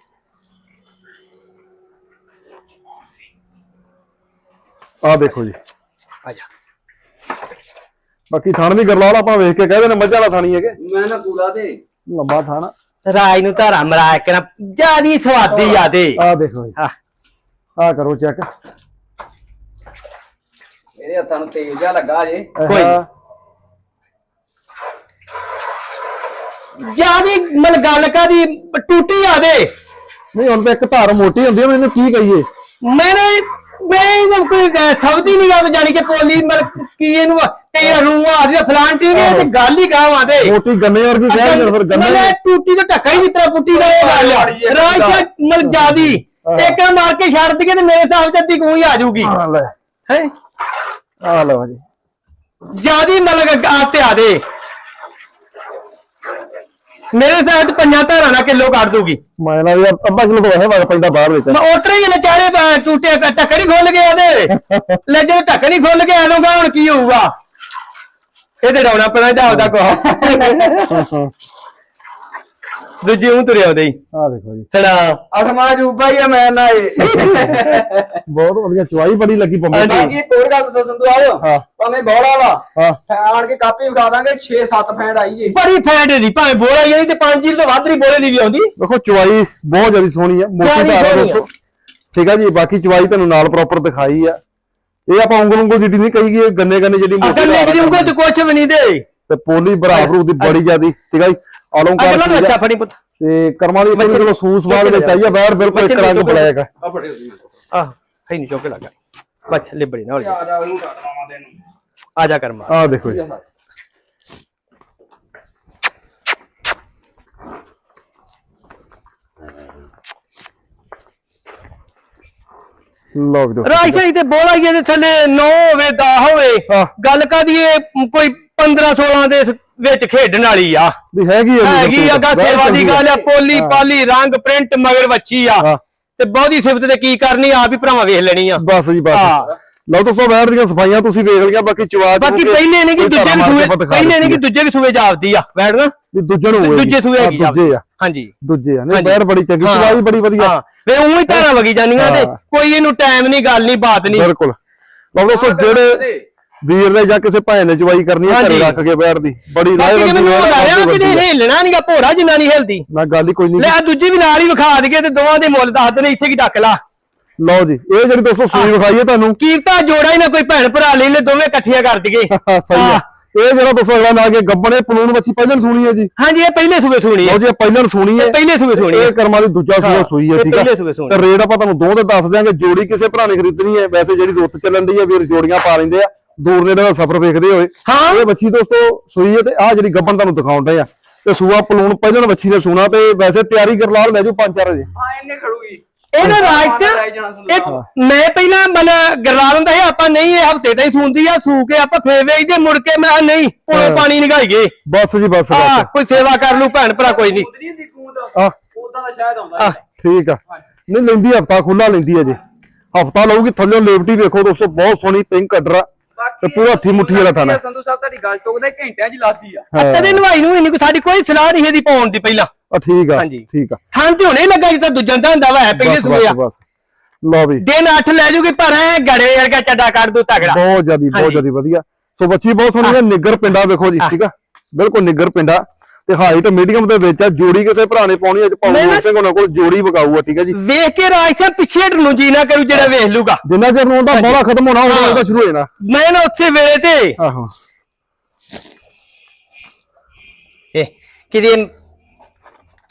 A: ਆ ਦੇਖੋ ਜੀ,
B: ਆ ਜਾ।
A: ਬਾਕੀ ਥਣ ਵੀ ਗਰਲਾਲ ਆਪਾਂ ਵੇਖ ਕੇ ਕਹਿੰਦੇ ਨੇ ਮੱਝਾਂ ਦਾ ਥਾਣੀ ਹੈਗੇ,
C: ਮੈਂ ਨਾ ਪੂਰਾ ਤੇ
A: ਲੰਬਾ ਥਾਣਾ।
B: ਰਾਜ ਨੂੰ ਧਾਰਾ ਮਰਾ ਕੇ ਨਾ ਜਿਆਦੀ ਸਵਾਦੀ ਆ ਦੇ।
A: ਆ ਦੇਖੋ ਜੀ, ਆ ਕਰੋ ਚੈੱਕ।
C: ਇਹਦੇ ਹੱਥਾਂ ਨੂੰ ਤੇਲ ਜਿਹਾ ਲੱਗਾ ਜੇ।
B: ਕੋਈ ਜਿਆਦੀ ਮਲ ਗੱਲ ਕਾਦੀ ਟੂਟੀ ਆ ਦੇ।
A: ਨਹੀਂ ਹੁਣ ਤਾਂ ਇੱਕ ਧਾਰ ਮੋਟੀ ਹੁੰਦੀ ਹੈ, ਮੈਨੂੰ ਕੀ ਕਹੀਏ।
B: ਮੈਂ ਕੋਈ ਸਬਦੀ ਨਹੀਂ ਗਾ ਜਾਣੀ ਕਿ ਪੋਲੀ ਮਲ ਕੀ ਇਹਨੂੰ ਕਈ ਰੂਹ ਆ ਰਹੀ ਫਲਾਂਟੀ ਨੇ ਤੇ ਗੱਲ ਹੀ ਗਾਵਾਂ ਦੇ
A: ਮੋਟੀ ਗੰਨੇ ਵਰਗੀ ਕਹਿ ਫਿਰ ਗੰਨੇ
B: ਟੂਟੀ ਤੋਂ ਢੱਕਾ ਹੀ ਜਿੱਤਰਾ ਪੁੱਟੀ ਦਾ ਇਹ ਗੱਲ ਆ ਰਾਜ ਮਲ ਜਿਆਦੀ ਇੱਕ ਮਾਰ ਕੇ ਛੱਡ ਦਈਏ ਤੇ ਮੇਰੇ ਹਿਸਾਬ ਚ ਅੱਧੀ ਕੋਈ ਆ ਜਾਊਗੀ
A: ਲੈ
B: ਹੈ।
A: ਆ ਲਓ ਜੀ,
B: ਜਿਆਦੀ ਮਤਲਬ ਆਤੇ ਆ ਦੇ ਮੇਰੇ ਹਿਸਾਬ ਚ 5 ਧਾਰਾਂ ਨਾਲ ਕਿਲੋ ਕੱਢ ਦੂਗੀ।
A: ਮੈਂ ਨਾ ਯਾਰ ਅੱਧਾ ਕਿਲੋ ਤੋਂ ਵਗ ਪੈਂਦਾ ਬਾਹਰ ਵਿੱਚ।
B: ਮੈਂ ਉਤਰੇ ਹੀ ਨਚਾਰੇ ਟੂਟੇ ਢੱਕਣ ਹੀ ਖੁੱਲ ਗਿਆ ਉਹਦੇ ਲੈ ਜੇ ਢੱਕਣ ਹੀ ਖੁੱਲ ਗਿਆ ਇਹਨੂੰ ਹੁਣ ਕੀ ਹੋਊਗਾ। ਇਹਦੇ ਡਾਉਣਾ ਪੈਣਾ ਜਾਉਦਾ ਕੋ ਦੂਜੀ ਉਹ ਤੁਰਿਆ ਉਹਦੇ ਹੀ।
A: ਆ ਦੇਖੋ ਜੀ,
B: ਸੜਾ
C: ਅਠਵਾਂ ਜੂਬਾ ਹੀ ਆ ਮੈਂ ਨਾ ਇਹ।
A: ਬਹੁਤ ਵਧੀਆ ਚੁਆਈ ਬੜੀ ਲੱਗੀ ਪੰਮੇ ਦੀ।
C: ਬਾਕੀ ਇੱਕ ਹੋਰ ਗੱਲ ਦੱਸੋ ਸੰਧੂ ਆਇਓ,
A: ਹਾਂ
C: ਭਾਵੇਂ ਬੋੜਾ ਵਾ
A: ਹਾਂ
C: ਆਣ ਕੇ ਕਾਪੀ ਵਿਖਾ ਦਾਂਗੇ 6-7 ਫੈਂਡ ਆਈ ਜੇ।
B: ਬੜੀ ਫੈਟ ਦੀ ਭਾਵੇਂ ਬੋਲਾ ਹੀ ਤੇ 5 ਕਿਲੋ ਤੋਂ ਵੱਧ ਨਹੀਂ ਬੋਲੇ ਦੀ ਵੀ ਆਉਂਦੀ।
A: ਦੇਖੋ ਚੁਆਈ ਬਹੁਤ ਜ਼ਿਆਦਾ ਸੋਹਣੀ ਆ, ਮੋਟੀ ਧਾਰ ਆ ਦੋਸਤੋ। ਠੀਕ ਆ ਜੀ, ਬਾਕੀ ਚੁਆਈ ਤੁਹਾਨੂੰ ਨਾਲ ਪ੍ਰੋਪਰ ਦਿਖਾਈ ਆ। ਇਹ ਆਪਾਂ ਉਂਗਲ ਜਿੱਡੀ ਨਹੀਂ ਕਹੀ ਗਈ, ਗੰਨੇ ਜਿਹੜੀ ਮੋਟੀ
B: ਅਕਲ ਦੀ ਉਂਗਲ ਤੇ ਕੁਛ ਵੀ ਨਹੀਂ ਦੇ
A: ਤੇ ਪੋਲੀ ਬਰਾਬਰ ਦੀ ਬੜੀ ਜ਼ਿਆਦੀ। ਠੀਕ ਆ ਜੀ,
B: ਅਗਲਾ ਅੱਛਾ ਫੜੀ ਪੁੱਤ
A: ਤੇ ਕਰਮਾਂ ਦੀ ਕੋਈ ਚਲੋ ਸੂਸ ਬਾਦ ਵਿੱਚ ਆਈ ਆ ਬਾਹਰ ਬਿਲਕੁਲ ਇੱਕ ਰੰਗ ਬੁਲਾਏਗਾ।
C: ਆ ਫੜੇ ਉਹਦੀ
B: ਆਹ ਹੈ ਨਹੀਂ ਚੋਕੇ ਲੱਗਾ ਬੱਚ ਲਿਬੜੀ ਨਾ ਹੋ ਜਾ।
C: ਆ ਜਾ ਉਹਨੂੰ ਕੱਟਵਾਵਾਂ ਤੈਨੂੰ।
B: ਆ ਜਾ ਕਰਮਾ।
A: ਆ ਦੇਖੋ ਜੀ, ਲਓ ਵੀ
B: ਰਾਜ ਸਹੀ ਤੇ ਬੋਲਾ ਹੀ ਇਹਦੇ ਥੱਲੇ 9 ਹੋਵੇ 10 ਹੋਵੇ
A: ਹਾਂ।
B: ਗੱਲ ਕਾਦੀ ਇਹ ਕੋਈ 15-16 ਦੇ ਵਿੱਚ ਖੇਡਣ ਵਾਲੀ ਆ।
A: ਵੀ ਹੈਗੀ
B: ਆ ਗਾ ਸੇਵਾ ਦੀ ਗੱਲ ਆ। ਪੋਲੀ ਪਾਲੀ ਰੰਗ ਪ੍ਰਿੰਟ ਮਗਰ ਵੱਛੀ ਆ ਤੇ ਬਹੁਤੀ ਸਿਫਤ ਤੇ ਕੀ ਕਰਨੀ ਆਪ ਹੀ ਭਰਾਵਾਂ ਵੇਖ ਲੈਣੀ ਆ।
A: ਬਸ ਜੀ ਬਸ। ਲਓ ਦੋਸਤੋ ਬੈਠ ਦੀਆਂ ਸਫਾਈਆਂ ਤੁਸੀਂ ਵੇਖ ਲਿਆ। ਬਾਕੀ ਚਵਾਜ
B: ਬਾਕੀ ਪਹਿਲੇ ਨੇ ਕਿ ਦੂਜੇ ਸੂਏ ਪਹਿਲੇ ਨੇ ਕਿ ਦੂਜੇ ਵੀ ਸੂਏ ਜਾਪਦੀ ਆ ਬੈਠ ਨਾ
A: ਵੀ ਦੂਜੇ ਨੂੰ
B: ਦੂਜੇ ਸੂਏ ਹੈਗੀ
A: ਦੂਜੇ ਆ।
B: ਹਾਂਜੀ
A: ਦੂਜੇ ਆ ਨਹੀਂ ਬੈਠ ਬੜੀ ਚੰਗੀ ਚਵਾਈ ਬੜੀ ਵਧੀਆ।
B: ਵੇ ਉਹੀ ਧਾਰਾਂ ਵਗੀ ਜਾਂਦੀਆਂ ਤੇ ਕੋਈ ਇਹਨੂੰ ਟਾਈਮ ਨਹੀਂ ਗੱਲ ਨਹੀਂ ਬਾਤ ਨਹੀਂ।
A: ਬਿਲਕੁਲ। ਲਓ ਦੋਸਤੋ ਜਿਹੜੇ ਵੀਰ ਨੇ ਜਾਂ ਕਿਸੇ ਭਾਈ ਨੇ ਚਵਾਈ ਕਰਨੀ ਹੈ ਘਰੇ ਰੱਖ ਕੇ ਬੈਠਦੀ ਬੜੀ ਰਾਏ
B: ਕਿਤੇ ਹਿੱਲਣਾ ਨਹੀਂਗਾ ਭੋਰਾ ਜਿੰਨਾ ਨਹੀਂ ਹਿਲਦੀ
A: ਨਾ ਗੱਲ ਹੀ ਕੋਈ ਨਹੀਂ।
B: ਲੈ ਦੂਜੀ ਵੀ ਨਾਲ ਹੀ ਵਿਖਾ ਦਈਏ ਤੇ ਦੋਵਾਂ ਦੇ ਮੁੱਲ ਦੱਸ ਦੇਣੇ ਇੱਥੇ ਕੀ ਡੱਕ ਲਾ।
A: ਲਓ ਜੀ ਇਹ ਜਿਹੜੀ ਦੋਸਤੋ ਸੂਈ ਵਿਖਾਈਏ ਤੁਹਾਨੂੰ
B: ਕੀਮਤਾਂ ਜੋੜਾ ਹੀ ਨਾ ਕੋਈ ਭੈਣ ਭਰਾ ਲੈ ਲੈ ਦੋਵੇਂ ਇਕੱਠੀਆਂ ਕਰ ਦਈਏ।
A: ਸਹੀ ਆ। ਇਹ ਜਿਹੜਾ ਦੋਸਤੋ ਅਗਲਾ ਲਾ ਕੇ ਗੱਬਣੇ ਪਲੂਣ ਵੱਛੀ ਪਹਿਲਾਂ ਸੁਣੀ ਹੈ ਜੀ।
B: ਹਾਂਜੀ ਇਹ ਪਹਿਲੇ ਸੂਏ ਸੁਣੀ ਹੈ।
A: ਲਓ ਜੀ ਇਹ ਪਹਿਲਾਂ ਸੁਣੀ ਹੈ,
B: ਪਹਿਲੇ ਸੂਏ ਸੁਣੀ ਹੈ।
A: ਇਹ ਕਰਮਾਂ ਦੀ ਦੂਜਾ ਸੂਆ ਸੂਈ ਹੈ। ਠੀਕ ਹੈ ਤੇ ਰੇਟ ਆਪਾਂ ਤੁਹਾਨੂੰ ਦੋ ਦੇ ਦੱਸ ਦਿਆਂਗੇ। ਜੋੜੀ ਕਿਸੇ ਭਰਾ ਨੇ ਖਰੀਦਣੀ ਹੈ ਵੈਸੇ ਜਿਹੜੀ ਰੁੱਤ ਚੱਲਣ ਦੀ ਹੈ ਵੀਰ ਜੋੜੀਆਂ ਪਾ ਲੈਂਦੇ ਆ ਦੂਰ ਨੇੜੇ ਦਾ ਸਫ਼ਰ ਵੇਖਦੇ ਹੋਏ। ਇਹ ਵੱਛੀ ਦੋਸਤੋ ਸੂਈ ਹੈ ਤੇ ਆਹ ਜਿਹੜੀ ਗੱਬਣ ਤੁਹਾਨੂੰ ਦਿਖਾਉਂਦੇ ਆ ਤੇ ਸੂਆ ਪਲੂਣ ਪਹਿਲਾਂ ਵੱਛੀ ਨੇ ਸੁਣਾ ਤੇ ਵੈਸੇ ਤਿਆਰੀ ਕਰ ਲਾ ਲੈ ਜੋ 5-4 ਵਜੇ।
C: ਹਾਂ ਇਹਨੇ ਖੜੂਗੀ
B: ਇਹਦਾ ਰਾਜ ਇੱਕ ਮੈਂ ਪਹਿਲਾਂ ਮਤਲਬ ਗਰਲਾ ਹੁੰਦਾ ਸੀ ਆਪਾਂ ਨਹੀਂ ਇਹ ਹਫਤੇ ਤਾਂ ਹੀ ਸੂੰਦੀ ਆ ਸੂ ਕੇ ਆਪਾਂ ਫੇਰ ਵੇਚਦੇ ਮੁੜ ਕੇ ਮੈਂ ਨਹੀਂ ਉਹ ਪਾਣੀ ਨਿਗਾਈਏ
A: ਬਸ ਜੀ ਬਸ
B: ਕੋਈ ਸੇਵਾ ਕਰ ਲੂ ਭੈਣ ਭਰਾ ਕੋਈ ਨਹੀਂ।
C: ਉਦਾਂ ਦਾ ਸ਼ਾਇਦ ਆਉਂਦਾ।
A: ਠੀਕ ਆ ਨਹੀਂ ਲੈਂਦੀ ਹਫਤਾ ਖੁੱਲਾ ਲੈਂਦੀ ਹੈ ਜੀ। ਹਫਤਾ ਲਊਗੀ ਥੱਲੇ ਲੇਵਟੀ ਵੇਖੋ ਦੋਸਤੋ ਬਹੁਤ ਸੋਹਣੀ ਪਿੰਕ ਕੱਢਰਾ ਤੇ ਪੂਰਾ ਹੱਥੀ ਮੁੱਠੀ ਵਾਲਾ ਥਾਣਾ।
C: ਸੰਧੂ ਸਾਹਿਬ ਤੁਹਾਡੀ ਗੱਲ ਟੋਕਦਾ ਘੰਟਿਆਂ 'ਚ ਲਾਤੀ ਆ।
B: ਕਦੇ ਨਵਾਈ ਨੂੰ ਨਹੀਂ ਸਾਡੀ ਕੋਈ ਸਲਾਹ ਨਹੀਂ ਇਹਦੀ ਪਾਉਣ ਦੀ ਪਹਿਲਾਂ।
A: ਠੀਕ ਆ ਠੀਕ ਆ
B: ਥਾਂ ਤੇ ਹੁਣੇ ਲੱਗਾ ਜਿੱਦਾਂ ਦੂਜਾ ਦਾ ਹੁੰਦਾ ਵਾ ਪਹਿਲੇ ਸੂਏ ਆ।
A: ਲਓ ਵੀ
B: ਦਿਨ 8 ਲੈ ਜੂਗੀ ਪਰ ਐ ਗੜੇ ਵਰਗਾ ਚੱਡਾ ਕੱਢ ਦੂ ਤਗੜਾ।
A: ਬਹੁਤ ਜਿਆਦੀ ਵਧੀਆ। ਸੋ ਬੱਚੀ ਬਹੁਤ ਸੋਹਣੀ ਹੈ। ਨਿੱਗਰ ਪਿੰਡਾ ਵੇਖੋ ਜੀ। ਠੀਕ ਆ ਬਿਲਕੁਲ ਨਿੱਗਰ ਪਿੰਡਾ ਤੇ ਹਾਈਟ ਮੀਡੀਅਮ ਦੇ ਵਿੱਚ ਆ। ਜੋੜੀ ਕਿਸੇ ਭਰਾ ਨੇ ਪਾਉਣੀ ਅੱਜ ਪਾਉਣੀ ਸਿੰਘ ਉਹਨਾਂ ਕੋਲ ਜੋੜੀ ਵਿਕਾਊ ਆ। ਠੀਕ ਆ ਜੀ
B: ਵੇਖ ਕੇ ਰਾਜ ਸਾਹਿਬ ਪਿੱਛੇ ਹਟਣ ਨੂੰ ਜੀ ਨਾ ਕਰੂ ਜਿਹੜਾ ਵੇਖ ਲੂਗਾ।
A: ਜਿੰਨਾ ਚਿਰ ਨੂੰ ਉਹਦਾ ਬੋਲਾ ਖਤਮ ਹੋਣਾ ਉਹਦਾ ਸ਼ੁਰੂ ਹੋ ਜਾਣਾ।
B: ਮੈਂ ਨਾ ਉੱਥੇ ਵੇਲੇ ਤੇ
A: ਆਹੋ
B: ਇਹ ਕਿਤੇ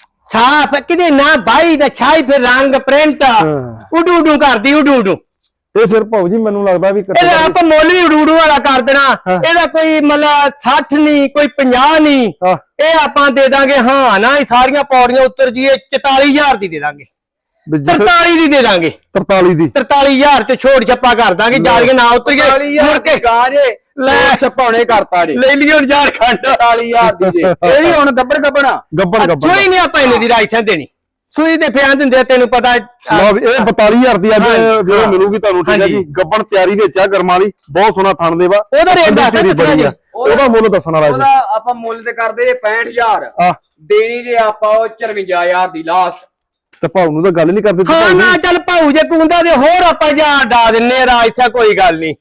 B: ਸਾਫ ਕਿਤੇ ਨਾ ਬਾਈ ਦਾ ਛਾਈ ਫਿਰ ਰੰਗ ਪ੍ਰਿੰਟ ਉਡੂ ਕਰਦੀ ਉਡੂ
A: ਇਹ ਫਿਰ ਭਾਊ ਜੀ ਮੈਨੂੰ ਲੱਗਦਾ ਵੀ
B: ਇਹਦਾ ਆਪਾਂ ਮੁੱਲ ਵੀ ਉਡੂੜੂ ਵਾਲਾ ਕਰ ਦੇਣਾ ਇਹਦਾ ਕੋਈ ਮਤਲਬ 60 ਨਹੀਂ ਕੋਈ 50 ਨਹੀਂ ਇਹ ਆਪਾਂ ਦੇ ਦਾਂਗੇ ਹਾਂ ਨਾ ਇਹ ਸਾਰੀਆਂ ਪੌੜੀਆਂ ਉੱਤਰ ਜੀਏ 44000 ਦੀ ਦੇ ਦਾਂਗੇ 43 ਦੀ ਦੇ ਦਾਂਗੇ 43000 ਤੇ ਛੋੜ ਛੱਪਾ ਕਰ ਦਾਂਗੇ ਜਾਲੀਆਂ ਨਾ ਉਤਰ ਗਏ ਮੁੜ ਕੇ
C: ਗਾਜੇ ਲੈ ਛਪਾਉਣੇ ਕਰਤਾ ਜੀ
B: ਲੈ ਲਈ ਹੁਣ ਝਾਰਖੰਡ
C: 40000 ਦੀ ਜੇ ਇਹ ਵੀ ਹੁਣ ਗੱਬੜ
B: ਕੋਈ ਨਹੀਂ ਆਪਾਂ ਇਹਨੇ ਦੀ ਰਾਇਸਾਂ ਦੇਣੀ ਸੂਈ ਦੇ ਫਿਆਂ ਦਿੰਦੇ ਤੈਨੂੰ ਪਤਾ
A: ਲਓ ਵੀ ਇਹ 42000 ਦੀ ਅੱਜ ਵੀਡੀਓ ਮਿਲੂਗੀ ਤੁਹਾਨੂੰ ਠੀਕ ਹੈ ਜੀ ਗੱਬਣ ਤਿਆਰੀ ਵਿੱਚ ਆ ਗਰਮਾਂ ਵਾਲੀ ਬਹੁਤ ਸੋਹਣਾ ਥਣ ਦੇਵਾ
B: ਉਹਦਾ ਰੇਟ ਦੱਸ
A: ਉਹਦਾ ਮੁੱਲ ਦੱਸਣ ਵਾਲਾ ਜੀ
C: ਉਹਦਾ ਆਪਾਂ ਮੁੱਲ ਤੇ ਕਰਦੇ ਜੇ 65000 ਦੇਣੀ ਜੇ ਆਪਾਂ ਉਹ 54000 ਦੀ ਲਾਸਟ
A: ਤੇ ਭਾਊ ਨੂੰ ਤਾਂ ਗੱਲ ਨਹੀਂ ਕਰਦੇ
B: ਹਾਂ ਨਾ ਚੱਲ ਭਾਊ ਜੇ ਕੁੰਦਾ ਦੇ ਹੋਰ ਆਪਾਂ ਜਾਂ ਡਾ ਦਿੰਨੇ ਰਾਇਸਾ ਕੋਈ ਗੱਲ ਨਹੀਂ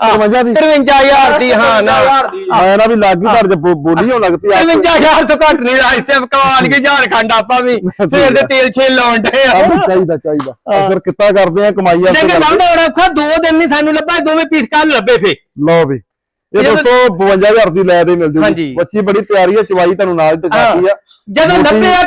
B: 53000 ਦੀ ਹਾਂ ਨਾ
A: ਆਇਆ ਨਾ ਵੀ ਲੱਗੀ ਘਰ ਚ ਬੋਲੀ ਹੋਣ ਲੱਗ ਪਈ
B: 53000 ਤੋਂ ਘੱਟ ਨਹੀਂ ਰਾਇਸੇ ਕਮਾਲ ਕੇ ਝਾਰਖੰਡ ਆਪਾਂ ਵੀ ਸਵੇਰ ਦੇ ਤੇਲ ਛੇਲ ਲਾਉਣ ਡੇ ਆ
A: ਚਾਹੀਦਾ ਫਿਰ ਕਿੱਤਾ ਕਰਦੇ ਆ ਕਮਾਈ
B: ਵਾਸਤੇ ਲੱਭਦਾ ਹੋਣਾ ਔਖਾ 2 ਦਿਨ ਨਹੀਂ ਸਾਨੂੰ ਲੱਭਾ ਦੋਵੇਂ ਪੀਸ ਕੱਲ ਲੱਭੇ ਫੇ
A: ਲਓ ਵੀ ਇਹ ਦੋਸਤੋ 52000 ਦੀ ਲੈ ਦੇ ਮਿਲ ਜੂਗੀ ਬੱਚੀ ਬੜੀ ਤਿਆਰੀ ਹੈ ਚਵਾਈ ਤੁਹਾਨੂੰ ਨਾਲ ਦਿਖਾਤੀ ਆ
B: ਜਦੋਂ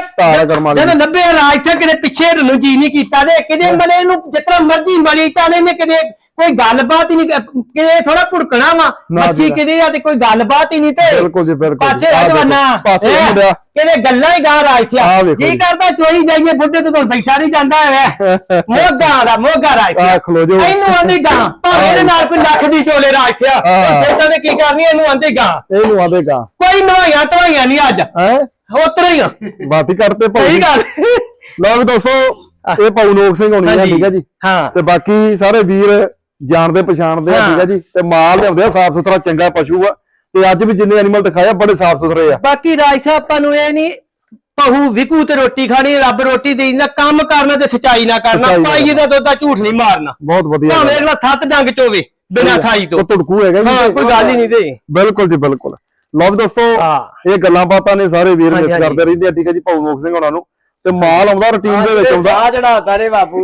B: 90 ਰਾਜ ਤੱਕ ਕਿਤੇ ਪਿੱਛੇ ਨੂੰ ਜੀ ਨਹੀਂ ਕੀਤਾ ਤੇ ਕਿਤੇ ਮਲੇ ਨੂੰ ਜਿਤਨਾ ਮਰਜ਼ੀ ਮਲੀ ਚਾਲੇ ਨੇ ਕਿਤੇ ਕੋਈ ਗੱਲਬਾਤ ਹੀ ਨਹੀਂ ਕਿਤੇ ਥੋੜਾ ਭੁੜਕਣਾ ਵਾ ਮੱਛੀ ਕਿਤੇ ਆ ਤੇ ਕੋਈ ਗੱਲਬਾਤ ਹੀ ਨਹੀਂ ਤੇ
A: ਬਿਲਕੁਲ ਜੀ ਬਿਲਕੁਲ
B: ਪਾਸੇ ਜਵਾਨਾ ਕਿਤੇ ਗੱਲਾਂ ਹੀ ਗਾ ਰਾਜ ਜੀ ਕਰਦਾ ਚੋਈ ਜਾਈਏ ਬੁੱਢੇ ਤੋਂ ਬੈਠਾ ਨਹੀਂ ਜਾਂਦਾ ਹੈ ਮੋਗਾ ਰਾਜ
A: ਖਲੋ ਜੋ
B: ਇਹਨੂੰ ਆਂਦੀ ਗਾ ਭਾਵੇਂ ਇਹਦੇ ਨਾਲ ਕੋਈ ਲੱਖ ਦੀ ਚੋਲੇ ਰਾਜ ਇਦਾਂ ਦੇ ਕੀ ਕਰਨੀ ਇਹਨੂੰ ਆਂਦੀ ਗਾ ਕੋਈ ਨਵਾਈਆਂ ਧਵਾਈਆਂ ਨਹੀਂ ਅੱਜ ਉਤਰ ਹੀ
A: ਬਾਤੀ ਕਰਤੇ
B: ਸਹੀ ਗੱਲ
A: ਲਓ ਵੀ ਦੋਸਤੋ ਇਹ ਭਾਊ ਨੋਕ ਸਿੰਘ ਹੋਣੀ ਆ ਠੀਕ ਹੈ ਜੀ ਤੇ ਬਾਕੀ ਸਾਰੇ ਵੀਰ ਜਾਣਦੇ ਪਛਾਣਦੇ ਆ ਠੀਕ ਹੈ ਜੀ ਤੇ ਮਾਲ ਲਿਆਉਂਦੇ ਆ ਸਾਫ ਸੁਥਰਾ ਚੰਗਾ ਪਸ਼ੂ ਆ ਤੇ ਅੱਜ ਵੀ ਜਿੰਨੇ ਐਨੀਮਲ ਦਿਖਾਇਆ ਬੜੇ ਸਾਫ ਸੁਥਰੇ ਆ
B: ਬਾਕੀ ਰਾਜ ਸਾਹਿਬ ਆਪਾਂ ਨੂੰ ਇਹ ਨਹੀਂ ਪਹੂ ਵਿਕੂ ਤੇ ਰੋਟੀ ਖਾਣੀ ਰੱਬ ਰੋਟੀ ਦੇ ਦਿੰਦਾ ਕੰਮ ਕਰਨਾ ਤੇ ਸਚਾਈ ਨਾ ਕਰਨਾ ਪਾਈ ਦਾ ਦੁੱਧ ਦਾ ਝੂਠ ਨਹੀਂ ਮਾਰਨਾ
A: ਬਹੁਤ ਵਧੀਆ
B: ਭਾਵੇਂ ਅਗਲਾ 7 ਡੰਗ ਚੋਵੇ ਬਿਨਾਂ ਖਾਈ ਤੋਂ
A: ਧੜਕੂ ਹੈਗਾ
B: ਜੀ ਕੋਈ ਗੱਲ ਹੀ ਨਹੀਂ ਤੇ
A: ਬਿਲਕੁਲ ਜੀ ਬਿਲਕੁਲ ਲਓ ਦੋਸਤੋ ਇਹ ਗੱਲਾਂ ਬਾਤਾਂ ਨੇ ਸਾਰੇ ਵੀਰ ਮਿਸ ਕਰਦੇ ਰਹਿੰਦੇ ਆ ਠੀਕ ਹੈ ਜੀ ਭਾਊ ਨੋਕ ਸਿੰਘ ਹੋਣਾ ਨੂੰ ਤੇ ਮਾਲ ਆਉਂਦਾ ਰੁਟੀਨ ਦੇ ਵਿੱਚ ਆਉਂਦਾ
C: ਆ ਚੜਾਤਾ ਰੇ ਬਾਪੂ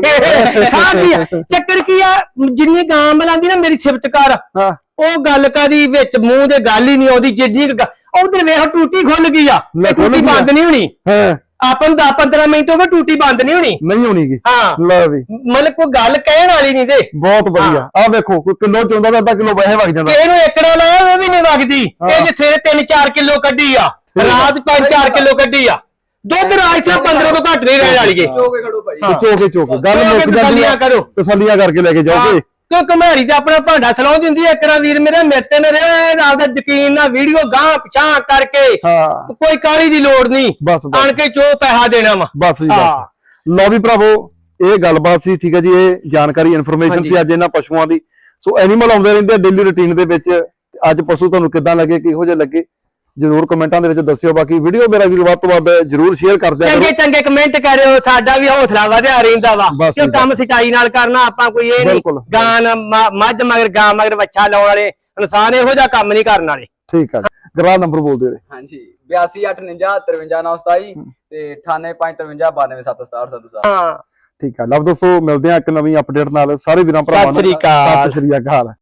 B: ਚੱਕਰ ਕੀ ਆ ਜਿੰਨੀ ਗਾਂ ਮਲਾਂਦੀ ਨਾ ਮੇਰੀ ਸਿਫਤ ਕਰ ਉਹ ਗੱਲ ਕਾਦੀ ਵਿੱਚ ਮੂੰਹ ਦੇ ਗੱਲ ਹੀ ਨਹੀਂ ਆਉਂਦੀ ਜਿੰਨੀ ਉਧਰ ਵੇਖ ਟੂਟੀ ਖੁੱਲ ਗਈ ਆ ਟੂਟੀ ਬੰਦ ਨਹੀਂ ਹੋਣੀ ਆਪਾਂ ਨੂੰ 10-15 ਮਿੰਟ ਹੋ ਗਏ ਟੂਟੀ ਬੰਦ ਨਹੀਂ ਹੋਣੀ ਹਾਂ
A: ਲਓ ਵੀ
B: ਮਤਲਬ ਕੋਈ ਗੱਲ ਕਹਿਣ ਵਾਲੀ ਨਹੀਂ ਤੇ
A: ਬਹੁਤ ਵਧੀਆ ਆ ਵੇਖੋ ਕੋਈ ਕਿਲੋ ਚੋਂਦਾ ਤਾਂ ਅੱਧਾ ਕਿਲੋ ਵੈਸੇ ਵਗ ਜਾਂਦਾ
B: ਇਹਨੂੰ ਏਕੜਾ ਲਾਇਆ ਉਹ ਵੀ ਨਹੀਂ ਵਗਦੀ ਇਹ ਜੇ ਸਵੇਰੇ 3-4 ਕਿਲੋ ਕੱਢੀ ਆ ਰਾਤ 5-4 ਕਿਲੋ ਕੱਢੀ ਆ ਦੁੱਧ ਰਾਜ ਸਾਹਿਬ 15 ਤੋਂ ਘੱਟ ਨਹੀਂ ਰਹਿਣ ਵਾਲੀਏ
A: ਚੋਕੇ ਗੱਲ ਮੁੱਕ ਜਾਂਦੀ ਆ ਤਸੱਲੀਆਂ ਕਰਕੇ ਲੈ ਕੇ ਜਾਓਗੇ
B: ਕਿਉਂ ਕਮੇਰੀ ਤੇ ਆਪਣਾ ਭਾਂਡਾ ਸਲਾਉ ਦਿੰਦੀ ਇੱਕ ਰਾਂ ਵੀਰ ਮੇਰੇ ਮਿਸਤੇ ਨੇ ਆਪਦਾ ਯਕੀਨ ਨਾਲ ਵੀਡੀਓ ਗਾਂ ਪਛਾਂ ਕਰਕੇ ਕੋਈ ਕਾਲੀ ਦੀ ਲੋੜ ਨਹੀਂ ਆਣ ਕੇ ਚੋ ਪੈਸਾ ਦੇਣਾ ਵਾ
A: ਬਸ ਲਓ ਵੀ ਭਰਾਵੋ ਇਹ ਗੱਲਬਾਤ ਸੀ ਠੀਕ ਹੈ ਜੀ ਇਹ ਜਾਣਕਾਰੀ ਇਨਫੋਰਮੇਸ਼ਨ ਸੀ ਅੱਜ ਇਹਨਾਂ ਪਸ਼ੂਆਂ ਦੀ ਸੋ ਐਨੀਮਲ ਆਉਂਦੇ ਰਹਿੰਦੇ ਆ ਡੇਲੀ ਰੁਟੀਨ ਦੇ ਵਿੱਚ ਅੱਜ ਪਸ਼ੂ ਤੁਹਾਨੂੰ ਕਿੱਦਾਂ ਲੱਗੇ ਕਿਹੋ ਜਿਹੇ ਲੱਗੇ ਜਰੂਰ ਕਮੈਂਟਾਂ ਦੇ ਵਿੱਚ ਦੱਸਿਓ ਬਾਕੀ ਵੀਡੀਓ ਮੇਰਾ ਵੀਰ ਵੱਧ ਤੋਂ ਵੱਧ ਜਰੂਰ ਸ਼ੇਅਰ ਕਰ ਦਿਓ
B: ਚੰਗੇ ਕਮੈਂਟ ਕਰਿਓ ਸਾਡਾ ਵੀ ਹੌਸਲਾ ਵਧਿਆ ਰਹਿੰਦਾ ਵਾ ਕਿਉਂ ਕੰਮ ਸਚਾਈ ਨਾਲ ਕਰਨਾ ਆਪਾਂ ਕੋਈ ਇਹ ਨਹੀਂ ਗਾਂ ਮੱਝ ਮਗਰ ਗਾਂ ਮਗਰ ਬੱਚਾ ਲਾਉਣ ਵਾਲੇ ਇਨਸਾਨ ਇਹੋ ਜਿਹਾ ਕੰਮ ਨਹੀਂ ਕਰਨ ਵਾਲੇ
A: ਠੀਕ ਆ ਗਰਾ ਨੰਬਰ ਬੋਲ ਦਿਓ
C: ਹਾਂਜੀ 8289535927 ਤੇ 9853592767
A: ਹਾਂ ਠੀਕ ਆ ਲਓ ਦੋਸਤੋ ਮਿਲਦੇ ਆ ਇੱਕ ਨਵੀਂ ਅਪਡੇਟ ਨਾਲ ਸਾਰੇ ਵੀਰਾਂ ਭਰਾਵਾਂ ਨੂੰ
B: ਸਤਿ ਸ੍ਰੀ ਅਕਾਲ
A: ਸਤਿ ਸ੍ਰੀ ਅਕਾਲ